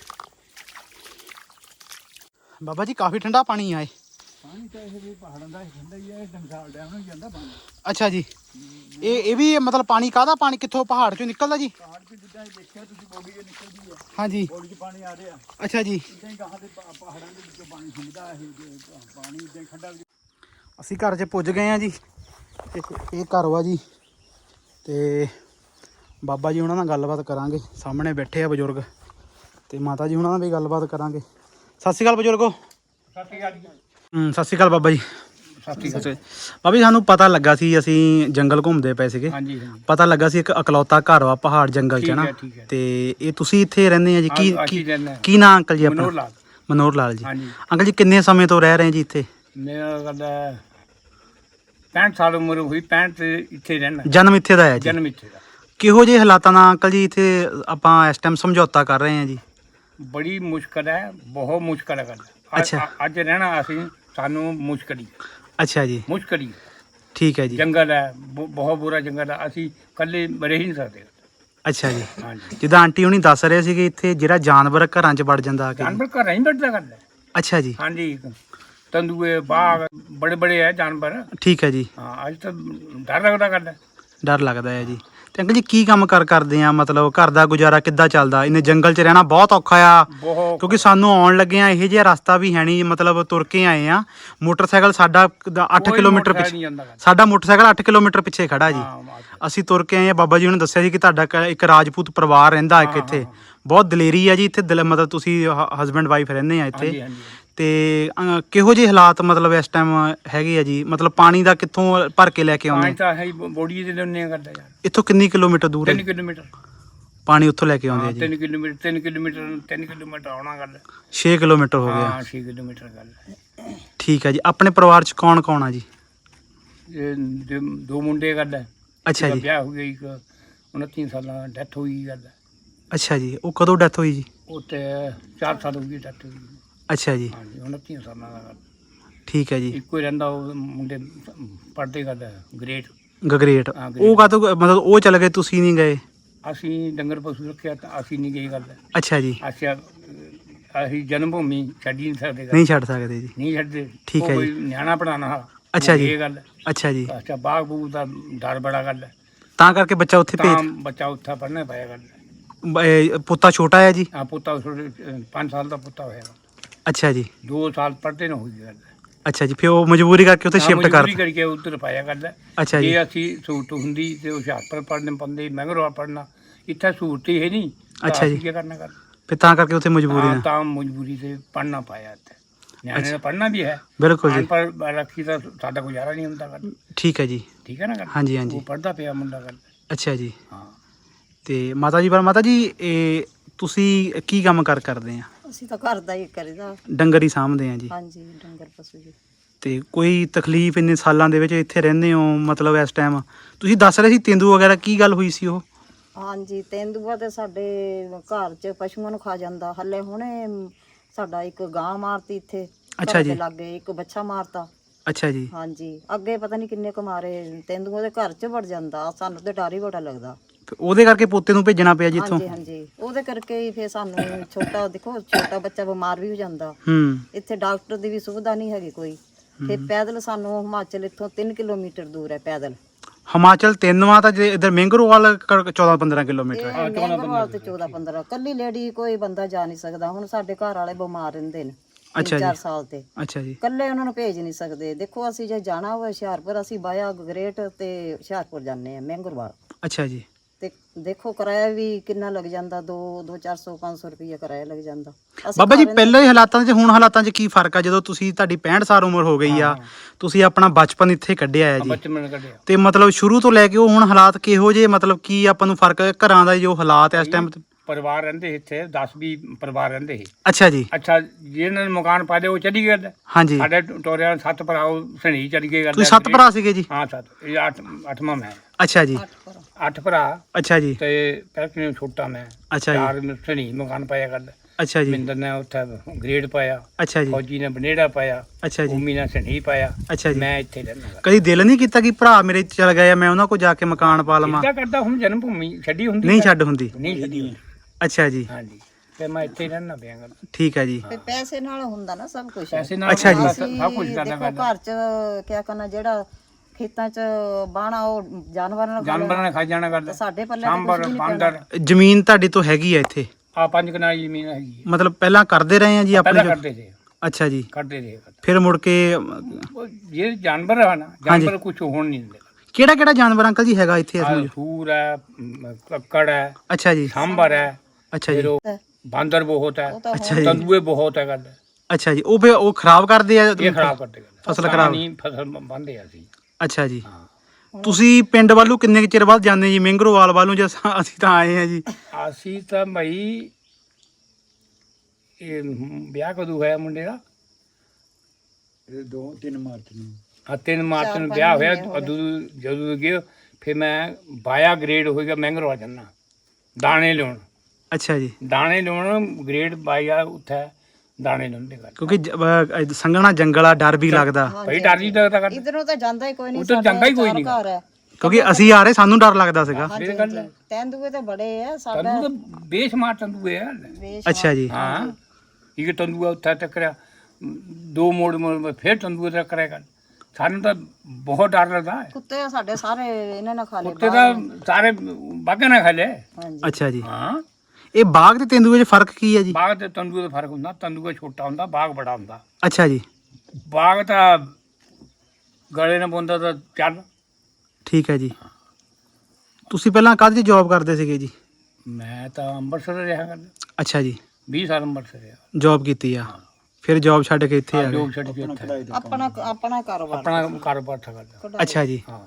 [SPEAKER 1] ਬਾਬਾ ਜੀ ਕਾਫੀ ਠੰਡਾ ਪਾਣੀ ਆਏ।
[SPEAKER 2] ਪਾਣੀ ਤਾਂ ਇਹ ਵੀ ਪਹਾੜਾਂ ਦਾ ਠੰਡਾ ਹੀ ਹੈ, ਡੰਗਸਾਲ ਡੈਮ ਨੂੰ ਜਾਂਦਾ ਪਾਣੀ।
[SPEAKER 1] ਅੱਛਾ ਜੀ। ਇਹ ਇਹ ਵੀ ਮਤਲਬ ਪਾਣੀ ਕਾਹਦਾ ਪਾਣੀ ਕਿੱਥੋਂ ਪਹਾੜ 'ਚੋਂ ਨਿਕਲਦਾ ਜੀ?
[SPEAKER 2] ਪਹਾੜ 'ਚ ਜਿੱਦਾਂ ਇਹ ਦੇਖਿਆ ਤੁਸੀਂ ਬੋਗੀ ਜੇ ਨਿਕਲਦੀ ਹੈ।
[SPEAKER 1] ਹਾਂਜੀ।
[SPEAKER 2] ਬੋਗੀ 'ਚ ਪਾਣੀ ਆ ਰਿਹਾ।
[SPEAKER 1] ਅੱਛਾ ਜੀ।
[SPEAKER 2] ਇੱਦਾਂ ਹੀ ਗਾਹਾਂ ਦੇ ਪਹਾੜਾਂ ਦੇ ਵਿੱਚੋਂ ਪਾਣੀ ਖਿੰਡਦਾ ਇਹ ਪਾਣੀ ਇੱਦਾਂ ਠੰਡਾ।
[SPEAKER 1] ਅਸੀਂ ਘਰ 'ਚ ਪੁੱਜ ਗਏ ਹਾਂ ਜੀ। ਇੱਕ ਇਹ ਘਰ ਵਾ ਜੀ, ਅਤੇ ਬਾਬਾ ਜੀ ਉਹਨਾਂ ਨਾਲ ਗੱਲਬਾਤ ਕਰਾਂਗੇ। ਸਾਹਮਣੇ ਬੈਠੇ ਆ ਬਜ਼ੁਰਗ, ਅਤੇ ਮਾਤਾ ਜੀ ਉਹਨਾਂ ਨਾਲ ਵੀ ਗੱਲਬਾਤ ਕਰਾਂਗੇ। ਸਤਿ ਸ਼੍ਰੀ ਅਕਾਲ ਬਜ਼ੁਰਗੋ।
[SPEAKER 4] ਸਤਿ ਸ਼੍ਰੀ ਅਕਾਲ ਜੀ।
[SPEAKER 1] ਹੂੰ ਸਤਿ ਸ਼੍ਰੀ ਅਕਾਲ ਬਾਬਾ ਜੀ।
[SPEAKER 4] ਸਤਿ ਸ਼੍ਰੀ ਅਕਾਲ।
[SPEAKER 1] ਬਾਬਾ ਜੀ ਸਾਨੂੰ ਪਤਾ ਲੱਗਾ ਸੀ, ਅਸੀਂ ਜੰਗਲ ਘੁੰਮਦੇ ਪਏ ਸੀਗੇ,
[SPEAKER 4] ਹਾਂਜੀ ਹਾਂਜੀ।
[SPEAKER 1] ਪਤਾ ਲੱਗਾ ਸੀ ਇੱਕ ਇਕਲੌਤਾ ਘਰ ਵਾ ਪਹਾੜ ਜੰਗਲ 'ਚ
[SPEAKER 4] ਠੀਕ
[SPEAKER 1] ਨਾ।
[SPEAKER 4] ਹੈ, ਠੀਕ ਹੈ।
[SPEAKER 1] ਅਤੇ ਇਹ ਤੁਸੀਂ ਇੱਥੇ ਰਹਿੰਦੇ ਆ ਜੀ? ਕੀ
[SPEAKER 4] ਹਾਂ, ਅਸੀਂ
[SPEAKER 1] ਕੀ
[SPEAKER 4] ਰਹਿੰਦੇ ਹਾਂ।
[SPEAKER 1] ਕੀ ਨਾਂ ਅੰਕਲ ਜੀ ਆਪਣਾ?
[SPEAKER 4] ਮਨੋਹਰ ਲਾਲ।
[SPEAKER 1] ਮਨੋਹਰ ਲਾਲ ਜੀ।
[SPEAKER 4] ਹਾਂਜੀ।
[SPEAKER 1] ਅੰਕਲ ਜੀ ਕਿੰਨੇ ਸਮੇਂ ਤੋਂ ਰਹਿ ਰਹੇ ਜੀ ਇੱਥੇ?
[SPEAKER 4] ਮੇਰਾ ਗੱਲ ਪੈਂਹਠ ਸਾਲ ਉਮਰ ਹੋਈ ਪੈਂਹਠ ਤੇ ਇੱਥੇ ਰਹਿਣਾ।
[SPEAKER 1] ਜਨਮ ਇੱਥੇ ਦਾ ਹੈ ਜੀ?
[SPEAKER 4] ਜਨਮ ਇੱਥੇ ਦਾ।
[SPEAKER 1] ਕਿਹੋ ਜਿਹੇ ਹਾਲਾਤਾਂ ਨਾਲ ਅੰਕਲ ਜੀ ਇੱਥੇ ਆਪਾਂ ਇਸ ਟਾਈਮ ਸਮਝੌਤਾ ਕਰ ਰਹੇ ਹਾਂ ਜੀ?
[SPEAKER 4] ਬੜੀ ਮੁਸ਼ਕਲ ਹੈ, ਬਹੁਤ ਮੁਸ਼ਕਲ ਹੈ ਗੱਲ।
[SPEAKER 1] ਅੱਛਾ।
[SPEAKER 4] ਅੱਜ ਰਹਿਣਾ ਅਸੀਂ ਸਾਨੂੰ ਮੁਸ਼ਕਲ ਹੀ।
[SPEAKER 1] ਅੱਛਾ ਜੀ।
[SPEAKER 4] ਮੁਸ਼ਕਲ ਹੀ।
[SPEAKER 1] ਠੀਕ ਹੈ ਜੀ।
[SPEAKER 4] ਜੰਗਲ ਹੈ, ਬ- ਬਹੁਤ ਬੁਰਾ ਜੰਗਲ ਹੈ, ਅਸੀਂ ਇਕੱਲੇ ਰਹਿ ਹੀ ਨਹੀਂ ਸਕਦੇ।
[SPEAKER 1] ਅੱਛਾ ਜੀ।
[SPEAKER 4] ਹਾਂਜੀ।
[SPEAKER 1] ਜਿੱਦਾਂ ਆਂਟੀ ਹੁਣੀ ਦੱਸ ਰਹੇ ਸੀਗੇ ਇੱਥੇ ਜਿਹੜਾ ਜਾਨਵਰ ਘਰਾਂ 'ਚ ਵੜ ਜਾਂਦਾ ਆ ਕੇ।
[SPEAKER 4] ਜਾਨਵਰ ਘਰ ਨਹੀਂ ਬੈਠਦਾ ਕਰਦਾ।
[SPEAKER 1] ਅੱਛਾ ਜੀ,
[SPEAKER 4] ਹਾਂਜੀ ਤੰਦੂਏ ਬਾਗ ਬੜੇ ਬੜੇ ਹੈ ਜਾਨਵਰ।
[SPEAKER 1] ਠੀਕ ਹੈ ਜੀ।
[SPEAKER 4] ਹਾਂ ਅੱਜ ਤਾਂ ਡਰ ਲੱਗਦਾ ਕਰਦਾ।
[SPEAKER 1] ਡਰ ਲੱਗਦਾ ਹੈ ਜੀ। ਤੇ ਅੰਕਲ ਜੀ ਕੀ ਕੰਮ ਕਰ ਕਰਦੇ ਆ, ਮਤਲਬ ਘਰ ਦਾ ਗੁਜ਼ਾਰਾ ਕਿੱਦਾਂ ਚੱਲਦਾ? ਇਹਨੇ ਜੰਗਲ 'ਚ ਰਹਿਣਾ ਬਹੁਤ ਔਖਾ ਆ,
[SPEAKER 4] ਬਹੁਤ
[SPEAKER 1] ਕਿਉਂਕਿ ਸਾਨੂੰ ਆਉਣ ਲੱਗੇ ਆ ਇਹੋ ਜਿਹਾ ਰਸਤਾ ਵੀ ਹੈ ਨਹੀਂ, ਮਤਲਬ ਤੁਰ ਕੇ ਆਏ ਆ। ਮੋਟਰਸਾਈਕਲ ਸਾਡਾ ਅੱਠ
[SPEAKER 4] ਕੋਈ
[SPEAKER 1] ਕਿਲੋਮੀਟਰ
[SPEAKER 4] ਮੋਟਰਸਾਈਕਲ
[SPEAKER 1] ਪਿੱਛੇ,
[SPEAKER 4] ਨਹੀਂ ਜਾਂਦਾ ਗਾ।
[SPEAKER 1] ਸਾਡਾ ਮੋਟਰਸਾਈਕਲ ਅੱਠ ਕਿਲੋਮੀਟਰ ਪਿੱਛੇ ਖੜਾ ਜੀ।
[SPEAKER 4] ਹਾਂ, ਹਾਂ,
[SPEAKER 1] ਅਸੀਂ ਤੁਰ ਕੇ ਆਏ ਆ। ਬਾਬਾ ਜੀ ਨੇ ਦੱਸਿਆ ਸੀ ਕਿ ਤੁਹਾਡਾ ਕ- ਇੱਕ ਰਾਜਪੂਤ ਪਰਿਵਾਰ ਰਹਿੰਦਾ ਇੱਕ
[SPEAKER 4] ਹਾਂ,
[SPEAKER 1] ਇੱਥੇ,
[SPEAKER 4] ਹਾਂ,
[SPEAKER 1] ਬਹੁਤ ਦਲੇਰੀ ਆ ਜੀ ਇੱਥੇ, ਦਿਲ ਮਤਲਬ ਤੁਸੀਂ ਹਸਬੈਂਡ ਵਾਈਫ ਰਹਿੰਦੇ ਆ ਇੱਥੇ।
[SPEAKER 4] ਹਾਂਜੀ ਹਾਂਜੀ।
[SPEAKER 1] ਤੇ ਅ, ਕਿਹੋ ਜਿਹੇ ਹਾਲਾਤ ਮਤਲਬ ਇਸ ਟਾਈਮ ਹੈਗੇ ਆ ਜੀ? ਮਤਲਬ ਪਾਣੀ ਦਾ ਕਿੱਥੋਂ ਭਰ ਕੇ ਲੈ ਕੇ ਆਉਂਦੇ?
[SPEAKER 4] ਪਾਣੀ ਤਾਂ ਹੈ ਬੋੜੀ ਦੇ ਲੈਣੇ ਕਰਦਾ ਯਾਰ।
[SPEAKER 1] ਇੱਥੋਂ ਕਿੰਨੀ ਕਿਲੋਮੀਟਰ ਦੂਰ ਹੈ
[SPEAKER 4] ਤਿੰਨ ਕਿਲੋਮੀਟਰ।
[SPEAKER 1] ਪਾਣੀ? ਉੱਥੋਂ ਲੈ ਕੇ ਆਉਂਦੇ ਆ
[SPEAKER 4] ਹਾਂ
[SPEAKER 1] ਜੀ।
[SPEAKER 4] ਤਿੰਨ ਕਿਲੋਮੀਟਰ ਤਿੰਨ ਕਿਲੋਮੀਟਰ ਤਿੰਨ ਕਿਲੋਮੀਟਰ ਆਉਣਾ ਗੱਲ।
[SPEAKER 1] ਛੇ ਕਿਲੋਮੀਟਰ ਹੋ ਗਿਆ।
[SPEAKER 4] ਹਾਂ ਛੇ ਕਿਲੋਮੀਟਰ ਗੱਲ।
[SPEAKER 1] ਠੀਕ ਹੈ ਜੀ। ਆਪਣੇ ਪਰਿਵਾਰ ਚ ਕੌਣ ਕੌਣ ਆ ਜੀ?
[SPEAKER 4] ਇਹ ਦੋ- ਦੋ ਮੁੰਡੇ ਕਰਦਾ।
[SPEAKER 1] ਅੱਛਾ ਜੀ,
[SPEAKER 4] ਵਿਆਹ ਹੋ ਗਿਆ, ਇੱਕ ਉਨੱਤੀ ਸਾਲਾਂ ਡੈਥ ਹੋਈ ਗੱਲ।
[SPEAKER 1] ਅੱਛਾ ਜੀ। ਉਹ ਕਦੋਂ ਡੈਥ ਹੋਈ ਜੀ?
[SPEAKER 4] ਉਹ ਤੇ ਚਾਰ ਸਾਲ ਹੋ ਗਏ ਡੈਥ ਹੋਈ।
[SPEAKER 1] ਅੱਛਾ ਜੀ,
[SPEAKER 4] ਹਾਂਜੀ ਉਨੱਤੀ ਸਾਲਾਂ ਦਾ ਗੱਲ।
[SPEAKER 1] ਠੀਕ ਹੈ ਜੀ।
[SPEAKER 4] ਇੱਕੋ ਹੀ ਰਹਿੰਦਾ ਉਹ ਮੁੰਡੇ ਪੜ੍ਹਦੇ ਕਰਦਾ ਗ੍ਰੇਟ।
[SPEAKER 1] ਗਗਰੇਟ।
[SPEAKER 4] ਹਾਂ,
[SPEAKER 1] ਉਹ ਕਾਹਤੋਂ ਮਤਲਬ ਉਹ ਚਲੇ ਗਏ, ਤੁਸੀਂ ਨਹੀਂ ਗਏ?
[SPEAKER 4] ਅਸੀਂ ਡੰਗਰ ਪਸ਼ੂ ਰੱਖਿਆ ਤਾਂ ਅਸੀਂ ਨਹੀਂ ਗਏ ਗੱਲ।
[SPEAKER 1] ਅੱਛਾ ਜੀ,
[SPEAKER 4] ਅਸੀਂ ਅਸੀਂ ਜਨਮ ਭੂਮੀ ਛੱਡ ਹੀ ਨਹੀਂ ਸਕਦੇ ਗੱਲ।
[SPEAKER 1] ਨਹੀਂ ਛੱਡ ਸਕਦੇ ਜੀ।
[SPEAKER 4] ਨਹੀਂ ਛੱਡਦੇ।
[SPEAKER 1] ਠੀਕ
[SPEAKER 4] ਉਹ
[SPEAKER 1] ਹੈ
[SPEAKER 4] ਕੋਈ
[SPEAKER 1] ਜੀ।
[SPEAKER 4] ਨਿਆਣਾ ਪੜਾਣਾ।
[SPEAKER 1] ਅੱਛਾ ਜੀ।
[SPEAKER 4] ਇਹ ਗੱਲ।
[SPEAKER 1] ਅੱਛਾ ਜੀ,
[SPEAKER 4] ਅੱਛਾ ਬਾਗ ਬੂਗ ਦਾ ਡਰ ਬੜਾ ਗੱਲ।
[SPEAKER 1] ਤਾਂ ਕਰਕੇ ਬੱਚਾ ਉੱਥੇ
[SPEAKER 4] ਤਾਂ
[SPEAKER 1] ਭੇਜ।
[SPEAKER 4] ਬੱਚਾ ਉੱਥਾ ਪੜ੍ਹਨਾ ਪਾਇਆ ਗੱਲ।
[SPEAKER 1] ਬ- ਇਹ ਪੁੱਤਾ ਛੋਟਾ ਹੈ ਜੀ?
[SPEAKER 4] ਆ ਪੁੱਤਾ ਛੋਟੇ ਪੰਜ ਸਾਲ ਦਾ ਪੁੱਤਾ ਹੋਇਆ।
[SPEAKER 1] ਅੱਛਾ ਜੀ,
[SPEAKER 4] ਦੋ ਸਾਲ ਪੜ੍ਹਦੇ ਨਾ ਹੋਈ ਗੱਲ।
[SPEAKER 1] ਅੱਛਾ ਜੀ। ਫਿਰ ਉਹ ਮਜਬੂਰੀ ਕਰਕੇ ਉੱਥੇ
[SPEAKER 4] ਹਾਂ,
[SPEAKER 1] ਸ਼ਿਫਟ ਕਰ।
[SPEAKER 4] ਮਜ਼ਦੂਰੀ ਕਰਕੇ ਉੱਧਰ ਪਾਇਆ ਗੱਲ।
[SPEAKER 1] ਅੱਛਾ ਜੀ,
[SPEAKER 4] ਜੇ ਅਸੀਂ ਸਹੂਲਤ ਹੁੰਦੀ ਤੇ ਹੁਸ਼ਿਆਰਪੁਰ ਪੜ੍ਹਨੇ ਪੰਦੇ ਮਹਿੰਗਰਵਾ ਪੜ੍ਹਨਾ। ਇੱਥੇ ਸਹੂਲਤ ਹੀ ਹੈ ਨਹੀਂ। ਤਾਂ
[SPEAKER 1] ਅੱਛਾ ਜੀ।
[SPEAKER 4] ਅਸੀਂ ਕੀ ਕਰਨਾ ਗੱਲ।
[SPEAKER 1] ਫਿਰ ਤਾਂ ਕਰਕੇ ਉੱਥੇ ਮਜਬੂਰੀ
[SPEAKER 4] ਹਾਂ
[SPEAKER 1] ਨਾਲ।
[SPEAKER 4] ਤਾਂ ਮਜਬੂਰੀ ਤੇ ਪੜ੍ਹਨਾ ਪਾਇਆ ਇੱਥੇ। ਨਿਆਣੇ ਨੇ ਪੜ੍ਹਨਾ ਵੀ ਹੈ।
[SPEAKER 1] ਬਿਲਕੁਲ ਜੀ,
[SPEAKER 4] ਅਨਪੜ੍ਹ ਰੱਖੀ ਤਾਂ ਸਾਡਾ ਗੁਜ਼ਾਰਾ ਨਹੀਂ ਹੁੰਦਾ ਗੱਲ।
[SPEAKER 1] ਠੀਕ ਹੈ ਜੀ।
[SPEAKER 4] ਠੀਕ ਹੈ ਨਾ ਗੱਲ।
[SPEAKER 1] ਹਾਂਜੀ ਹਾਂਜੀ,
[SPEAKER 4] ਉਹ ਪੜ੍ਹਦਾ ਪਿਆ ਮੁੰਡਾ ਗੱਲ।
[SPEAKER 1] ਅੱਛਾ ਜੀ।
[SPEAKER 4] ਹਾਂ
[SPEAKER 1] ਤੇ ਮਾਤਾ ਜੀ, ਪਰ ਮਾਤਾ ਜੀ ਇਹ ਤੁਸੀਂ ਕੀ ਕੰਮ ਕਰ ਕਰਦੇ ਆ?
[SPEAKER 3] ਅਸੀਂ ਤਾਂ ਘਰ ਦਾ ਹੀ ਕਰੀਦਾ।
[SPEAKER 1] ਡੰਗਰ ਹੀ ਸਾਂਭਦੇ ਆ ਜੀ।
[SPEAKER 3] ਹਾਂਜੀ ਡੰਗਰ ਪਸ਼ੂ ਜੀ।
[SPEAKER 1] ਤੇ ਕੋਈ ਤਕਲੀਫ ਇੰਨੇ ਸਾਲਾਂ ਦੇ ਵਿੱਚ ਇੱਥੇ ਰਹਿੰਦੇ ਹੋ, ਮਤਲਬ ਇਸ ਟਾਈਮ ਤੁਸੀਂ ਦੱਸ ਰਹੇ ਸੀ ਤੇਂਦੂ ਵਗੈਰਾ, ਕੀ ਗੱਲ ਹੋਈ ਸੀ ਉਹ?
[SPEAKER 3] ਹਾਂਜੀ ਤੇਂਦੂਆ ਤੇ ਸਾਡੇ ਘਰ 'ਚ ਪਸ਼ੂਆਂ ਨੂੰ ਖਾ ਜਾਂਦਾ। ਹੱਲੇ ਹੁਣੇ ਸਾਡਾ ਇੱਕ ਗਾਂ ਮਾਰਤੀ ਇੱਥੇ।
[SPEAKER 1] ਅੱਛਾ
[SPEAKER 3] ਘਰ
[SPEAKER 1] ਜੀ।
[SPEAKER 3] ਦੇ ਲਾਗੇ ਇੱਕ ਬੱਚਾ ਮਾਰਤਾ।
[SPEAKER 1] ਅੱਛਾ ਜੀ,
[SPEAKER 3] ਹਾਂਜੀ ਅੱਗੇ ਪਤਾ ਨਹੀਂ ਕਿੰਨੇ ਕੁ ਮਾਰੇ। ਤੇਂਦੂਆ ਦੇ ਘਰ 'ਚ ਵੜ ਜਾਂਦਾ। ਸਾਨੂੰ ਤੇ ਡਰ ਹੀ ਬੜਾ ਲੱਗਦਾ।
[SPEAKER 1] ਤੇ ਉਹਦੇ ਕਰਕੇ ਪੋਤੇ ਨੂੰ ਭੇਜਣਾ ਪਿਆ ਜੀ ਇੱਥੋਂ?
[SPEAKER 3] ਹਾਂਜੀ ਹਾਂਜੀ ਉਹਦੇ ਕਰਕੇ ਹੀ ਫਿਰ ਸਾਨੂੰ ਛੋਟਾ ਦੇਖੋ ਛੋਟਾ ਬੱਚਾ ਬਿਮਾਰ ਵੀ ਹੋ ਜਾਂਦਾ।
[SPEAKER 1] ਹੂੰ,
[SPEAKER 3] ਇੱਥੇ ਡਾਕਟਰ ਦੀ ਵੀ ਸੁਵਿਧਾ ਨਹੀਂ ਹੈਗੀ ਕੋਈ। ਫਿਰ ਪੈਦਲ ਸਾਨੂੰ ਹਿਮਾਚਲ ਇੱਥੋਂ ਤਿੰਨ ਕਿਲੋਮੀਟਰ ਦੂਰ ਹੈ ਪੈਦਲ।
[SPEAKER 1] ਹਿਮਾਚਲ ਤਿੰਨਵਾਂ ਤਾਂ ਜੇ ਇਧਰ ਮੈਂਗਰੋਵਾਲ ਚੌਦਾਂ ਪੰਦਰਾਂ ਕਿਲੋਮੀਟਰ ਹੈ।
[SPEAKER 3] ਇਹ ਮੈਂਗਰਵਾਲ ਤੇ ਚੌਦਾਂ ਪੰਦਰਾਂ। ਕੱਲੀ ਲੇਡੀ ਕੋਈ ਬੰਦਾ ਜਾ ਨਹੀਂ ਸਕਦਾ। ਹੁਣ ਸਾਡੇ ਘਰ ਵਾਲੇ ਬਿਮਾਰ ਰਹਿੰਦੇ ਨੇ
[SPEAKER 1] ਅੱਛਾ
[SPEAKER 3] ਤਿੰਨ
[SPEAKER 1] ਜੀ।
[SPEAKER 3] ਚਾਰ ਸਾਲ ਤੇ।
[SPEAKER 1] ਅੱਛਾ ਜੀ,
[SPEAKER 3] ਕੱਲੇ ਉਹਨਾਂ ਨੂੰ ਭੇਜ ਨਹੀਂ ਸਕਦੇ। ਦੇਖੋ ਅਸੀਂ ਜੇ ਜਾਣਾ ਹੋਵੇ ਹੁਸ਼ਿਆਰਪੁਰ, ਅਸੀਂ ਬਾਇਆ ਗ੍ਰੇਟ ਤੇ ਹੁਸ਼ਿਆਰਪੁਰ ਜਾਂਦੇ ਆ ਮੈਂਗਰਵਾਲ।
[SPEAKER 1] ਅੱਛਾ ਜੀ।
[SPEAKER 3] ਤੇ ਦੇਖੋ ਕਿਰਾਇਆ ਵੀ ਕਿੰਨਾ ਲੱਗ ਜਾਂਦਾ। ਦੋ ਦੋ ਚਾਰ ਸੌ ਪੰਜ ਸੌ ਰੁਪਈਆ ਕਿਰਾਇਆ ਲੱਗ ਜਾਂਦਾ। ਅਸੀਂ
[SPEAKER 1] ਬਾਬਾ ਜੀ
[SPEAKER 3] ਘਰ
[SPEAKER 1] ਪਹਿਲੇ ਹਾਲਾਤਾਂ 'ਚ ਹੁਣ ਹਾਲਾਤਾਂ 'ਚ ਕੀ ਫਰਕ ਆ? ਜਦੋਂ ਤੁਸੀਂ ਤੁਹਾਡੀ ਪੈਂਹਠ ਸਾਲ ਉਮਰ ਹੋ ਗਈ ਆ, ਤੁਸੀਂ ਆਪਣਾ ਬਚਪਨ ਇੱਥੇ ਕੱਢਿਆ ਹੈ ਜੀ,
[SPEAKER 4] ਬੱਚੇ ਮੈਨੂੰ ਕੱਢਿਆ।
[SPEAKER 1] ਤੇ ਮਤਲਬ ਸ਼ੁਰੂ ਤੋਂ ਲੈ ਕੇ ਉਹ ਹੁਣ ਹਾਲਾਤ ਕਿਹੋ ਜਿਹੇ, ਮਤਲਬ ਕੀ ਆਪਾਂ ਨੂੰ ਫਰਕ ਘਰਾਂ ਦਾ ਜੋ ਹਾਲਾਤ ਇਸ ਟਾਈਮ?
[SPEAKER 4] ਪਰਿਵਾਰ ਰਹਿੰਦੇ ਸੀ ਇੱਥੇ ਦਸ ਵੀਹ ਪਰਿਵਾਰ ਰਹਿੰਦੇ ਸੀ।
[SPEAKER 1] ਅੱਛਾ ਜੀ।
[SPEAKER 4] ਅੱਛਾ ਜਿਹਨਾਂ ਨੇ ਮਕਾਨ ਪਾਦੇ ਉਹ ਚਲੀ ਗਏ ਗੱਲ।
[SPEAKER 1] ਹਾਂਜੀ,
[SPEAKER 4] ਸਾਡੇ ਟੋਰਿਆਂ ਸੱਤ ਭਰਾ ਉਹ ਸਣੀ ਚਲੀ ਗਏ ਗੱਲ।
[SPEAKER 1] ਤੁਸੀਂ ਸੱਤ ਭਰਾ ਸੀਗੇ ਜੀ?
[SPEAKER 4] ਹਾਂ ਸੱਤ। ਇਹ ਅੱਠ ਅੱਠਵਾਂ ਮੈਂ।
[SPEAKER 1] ਅੱਛਾ ਜੀ,
[SPEAKER 4] ਅੱਠ ਭਰਾ
[SPEAKER 1] ਅੱਛਾ ਜੀ,
[SPEAKER 4] ਤੇ ਪਹਿਲੇ ਛੋਟਾ ਮੈਂ।
[SPEAKER 1] ਅੱਛਾ ਜੀ,
[SPEAKER 4] ਚਾਰ ਸਣੀ ਮਕਾਨ ਪਾਇਆ ਗੱਲ।
[SPEAKER 1] ਅੱਛਾ ਜੀ,
[SPEAKER 4] ਮਿੰਦਰ ਨੇ ਉੱਥੇ ਗ੍ਰੇਡ ਪਾਇਆ।
[SPEAKER 1] ਅੱਛਾ ਜੀ,
[SPEAKER 4] ਫੌਜੀ ਨੇ ਬਨੇੜਾ ਪਾਇਆ।
[SPEAKER 1] ਅੱਛਾ ਜੀ,
[SPEAKER 4] ਭੂਮੀ ਨੇ ਸਣੀ ਪਾਇਆ।
[SPEAKER 1] ਅੱਛਾ ਜੀ।
[SPEAKER 4] ਮੈਂ ਇੱਥੇ ਰਹਿੰਦਾ।
[SPEAKER 1] ਕਦੀ ਦਿਲ ਨਹੀਂ ਕੀਤਾ ਕਿ ਭਰਾ ਮੇਰੇ ਚਲ ਗਏ ਆ, ਮੈਂ ਉਹਨਾਂ ਕੋਲ ਜਾ ਕੇ ਮਕਾਨ ਪਾ ਲਵਾਂ?
[SPEAKER 4] ਕਿੱਦਾਂ ਕਰਦਾ ਹੁਣ ਜਨਮ ਭੂਮੀ ਛੱਡੀ ਹੁੰਦੀ
[SPEAKER 1] ਨਹੀਂ
[SPEAKER 4] ਹੈ?
[SPEAKER 1] ਛੱਡ ਹੁੰਦੀ?
[SPEAKER 4] ਨਹੀਂ ਛੱਡੀ ਹੁੰਦੀ।
[SPEAKER 1] ਅੱਛਾ ਜੀ,
[SPEAKER 4] ਹਾਂਜੀ ਤੇ ਮੈਂ ਇੱਥੇ ਹੀ ਰਹਿਣਾ ਪਿਆ ਗੱਲ।
[SPEAKER 1] ਠੀਕ ਹੈ ਜੀ।
[SPEAKER 3] ਫਿਰ ਪੈਸੇ ਨਾਲ ਹੁੰਦਾ ਨਾ ਸਭ ਕੁਝ।
[SPEAKER 4] ਪੈਸੇ ਨਾਲ
[SPEAKER 1] ਅੱਛਾ ਜੀ।
[SPEAKER 4] ਸਭ ਕੁਝ ਕਰਨਾ
[SPEAKER 3] ਦੇਖੋ
[SPEAKER 4] ਪੈਂਦਾ।
[SPEAKER 3] ਘਰ 'ਚ ਕਿਆ ਕਰਨਾ, ਜਿਹੜਾ ਖੇਤਾਂ 'ਚ ਬਾਣਾ ਉਹ ਜਾਨਵਰਾਂ ਨਾਲ ਖਾ
[SPEAKER 4] ਜਾਨਵਰਾਂ ਨੇ ਖਾ ਜਾਣਾ
[SPEAKER 3] ਲੈਣਾ।
[SPEAKER 4] ਕਰਦਾ।
[SPEAKER 3] ਸਾਡੇ ਪੱਲੇ ਤਾਂ ਕੁਝ
[SPEAKER 4] ਸਾਂਬਰ
[SPEAKER 3] ਵੀ ਨਹੀਂ
[SPEAKER 4] ਬਾਂਦਰ
[SPEAKER 3] ਪੈਣਾ।
[SPEAKER 1] ਜ਼ਮੀਨ ਤੁਹਾਡੀ ਤੋਂ ਹੈਗੀ ਆ ਇੱਥੇ?
[SPEAKER 4] ਆ ਪੰਜ ਕਨਾਲ ਜ਼ਮੀਨ ਹੈਗੀ ਹੈ।
[SPEAKER 1] ਮਤਲਬ ਪਹਿਲਾਂ ਕਰਦੇ ਰਹੇ ਆ ਜੀ
[SPEAKER 4] ਪਹਿਲਾਂ
[SPEAKER 1] ਆਪਣੇ?
[SPEAKER 4] ਕਰਦੇ ਸੀ।
[SPEAKER 1] ਅੱਛਾ ਜੀ।
[SPEAKER 4] ਕਰਦੇ ਸੀ।
[SPEAKER 1] ਫਿਰ ਮੁੜ ਕੇ
[SPEAKER 4] ਉਹ ਜੇ ਜਾਨਵਰ ਹੈ ਨਾ, ਜਾਨਵਰ ਕੁਝ ਹੋਣ ਨਹੀਂ ਦਿੰਦੇ।
[SPEAKER 1] ਕਿਹੜਾ ਕਿਹੜਾ ਜਾਨਵਰ ਅੰਕਲ ਜੀ ਹੈਗਾ ਇੱਥੇ ਇਸ
[SPEAKER 4] ਆਹ
[SPEAKER 1] ਨੂੰ?
[SPEAKER 4] ਸੂਰ ਹੈ, ਮ, ਕੱਕੜ ਹੈ,
[SPEAKER 1] ਅੱਛਾ ਜੀ,
[SPEAKER 4] ਸਾਂਬਰ ਹੈ,
[SPEAKER 1] ਅੱਛਾ
[SPEAKER 4] ਫਿਰ
[SPEAKER 1] ਜੀ,
[SPEAKER 4] ਉਹ ਬਾਂਦਰ ਬਹੁਤ ਹੈ,
[SPEAKER 3] ਉਹ ਤਾਂ
[SPEAKER 1] ਅੱਛਾ ਜੀ,
[SPEAKER 4] ਤੰਦੂਏ ਬਹੁਤ ਹੈ ਗੱਲ।
[SPEAKER 1] ਅੱਛਾ ਜੀ। ਉਹ ਫਿਰ ਉਹ ਖਰਾਬ ਕਰਦੇ ਆ?
[SPEAKER 4] ਇਹ ਖਰਾਬ ਕਰਦੇ ਗੱਲ।
[SPEAKER 1] ਫਸਲ ਖਰਾਬ?
[SPEAKER 4] ਨਹੀਂ ਫਸਲ ਬੰਦੇ ਆ ਅਸੀਂ।
[SPEAKER 1] ਅੱਛਾ ਜੀ।
[SPEAKER 4] ਹਾਂ
[SPEAKER 1] ਤੁਸੀਂ ਪਿੰਡ ਵੱਲੋਂ ਕਿੰਨੇ ਕੁ ਚਿਰ ਬਾਅਦ ਜਾਂਦੇ ਜੀ ਮੈਂਗਰੋਵਾਲ ਵੱਲੋਂ? ਜਾਂ ਅਸਾਂ- ਅਸੀਂ ਤਾਂ ਆਏ ਆ ਜੀ।
[SPEAKER 4] ਅਸੀਂ ਤਾਂ ਭਾਈ ਇਹ ਵਿਆਹ ਕਦੋਂ ਹੋਇਆ ਮੁੰਡੇ ਦਾ?
[SPEAKER 2] ਇਹ ਦੋ ਤਿੰਨ ਮਾਰਚ ਨੂੰ।
[SPEAKER 4] ਆ ਤਿੰਨ ਮਾਰਚ
[SPEAKER 3] ਚਾਰ
[SPEAKER 4] ਨੂੰ
[SPEAKER 3] ਪੰਜ
[SPEAKER 4] ਵਿਆਹ ਹੋਇਆ।
[SPEAKER 3] ਮਹੀਨੇ ਹੋ ਗਏ।
[SPEAKER 4] ਉਦੋਂ ਜਦੋਂ ਗਏ ਫਿਰ ਮੈਂ ਬਾਇਆ ਗ੍ਰੇਡ ਹੋ ਗਿਆ ਮੈਂਗਰਵਾ ਜੰਨਾ ਦਾਣੇ ਲਿਆਉਣ।
[SPEAKER 1] ਅੱਛਾ ਜੀ।
[SPEAKER 4] ਦਾਣੇ ਲਿਆਉਣ ਗ੍ਰੇਡ ਬਾਇਆ ਉੱਥੇ ਦਾਣੇ ਲਿਆਉਂਦੇ ਗੱਲ।
[SPEAKER 1] ਕਿਉਂਕਿ ਜ- ਅਹ ਸੰਘਣਾ ਜੰਗਲ ਆ, ਡਰ ਵੀ ਲੱਗਦਾ।
[SPEAKER 4] ਭਾਈ ਡਰ ਨਹੀਂ ਲੱਗਦਾ ਕਰ।
[SPEAKER 3] ਇਧਰੋਂ ਤਾਂ ਜਾਂਦਾ ਹੀ ਕੋਈ ਨਹੀਂ।
[SPEAKER 4] ਉੱਧਰ ਜਾਂਦਾ ਹੀ ਕੋਈ
[SPEAKER 3] ਚਾਰ
[SPEAKER 4] ਨਹੀਂ।
[SPEAKER 3] ਘਰ ਹੈ।
[SPEAKER 1] ਕਿਉਂਕਿ ਅਸੀਂ ਆ ਰਹੇ, ਸਾਨੂੰ ਡਰ ਲੱਗਦਾ ਸੀਗਾ।
[SPEAKER 4] ਇਹ ਗੱਲ ਹੈ।
[SPEAKER 3] ਤੇਂਦੂਏ ਤਾਂ ਬੜੇ ਆ ਸਾਡਾ
[SPEAKER 4] ਤੰਦੂ ਤਾਂ ਬੇਸ਼ਮਾਰ ਤੰਦੂਏ ਆ।
[SPEAKER 3] ਵੇਸ਼।
[SPEAKER 1] ਅੱਛਾ ਜੀ।
[SPEAKER 4] ਹਾਂ ਇਹ ਤੰਦੂਆ ਉੱਥੇ ਟੱਕਰਿਆ ਦੋ ਮੋੜ ਮੋੜ ਫਿਰ ਤੰਦੂਏ ਦਾ ਕਰੇਗਾ। ਸਾਨੂੰ ਤਾਂ ਬਹੁਤ ਡਰ ਲੱਗਦਾ ਹੈ।
[SPEAKER 3] ਕੁੱਤੇ ਸਾਡੇ ਸਾਰੇ ਇਹਨਾਂ ਨੇ ਖਾ ਲਏ
[SPEAKER 4] ਕੁੱਤੇ ਤਾਂ ਸਾਰੇ ਬਾਘਾਂ ਨਾਲ ਖਾ ਲਏ।
[SPEAKER 3] ਹਾਂਜੀ
[SPEAKER 1] ਅੱਛਾ ਜੀ,
[SPEAKER 4] ਹਾਂ,
[SPEAKER 1] ਇਹ ਬਾਗ ਤੇ ਤੇਂਦੂਏ 'ਚ ਫਰਕ ਕੀ ਹੈ ਜੀ?
[SPEAKER 4] ਬਾਗ ਤੇ ਤੰਦੂਏ ਦਾ ਫਰਕ ਹੁੰਦਾ। ਤੰਦੂਆ ਛੋਟਾ ਹੁੰਦਾ, ਬਾਗ ਬੜਾ ਹੁੰਦਾ।
[SPEAKER 1] ਅੱਛਾ ਜੀ,
[SPEAKER 4] ਬਾਗ ਤਾਂ ਗਲੇ ਨਾਲ ਬੁੰਦਾ ਤਾਂ ਚੱਲ।
[SPEAKER 1] ਠੀਕ ਹੈ ਜੀ। ਤੁਸੀਂ ਪਹਿਲਾਂ ਕਾਹਦੀ ਜੌਬ ਕਰਦੇ ਸੀਗੇ ਜੀ?
[SPEAKER 4] ਮੈਂ ਤਾਂ ਅੰਮ੍ਰਿਤਸਰ ਰਿਹਾ ਕਰਦਾ,
[SPEAKER 1] ਅੱਛਾ ਜੀ,
[SPEAKER 4] ਵੀਹ ਸਾਲ ਅੰਮ੍ਰਿਤਸਰ ਰਿਹਾ।
[SPEAKER 1] ਜੌਬ ਕੀਤੀ ਆ, ਫਿਰ ਜੌਬ ਛੱਡ ਕੇ ਇੱਥੇ ਆ ਗਏ।
[SPEAKER 4] ਜੋਬ ਛੱਡ ਕੇ ਇੱਥੇ
[SPEAKER 3] ਆਪਣਾ ਆਪਣਾ ਕਾਰੋਬਾਰ
[SPEAKER 4] ਆਪਣਾ ਕਾਰੋਬਾਰ ਥਾ ਕਰਦਾ।
[SPEAKER 1] ਅੱਛਾ ਜੀ,
[SPEAKER 4] ਹਾਂ,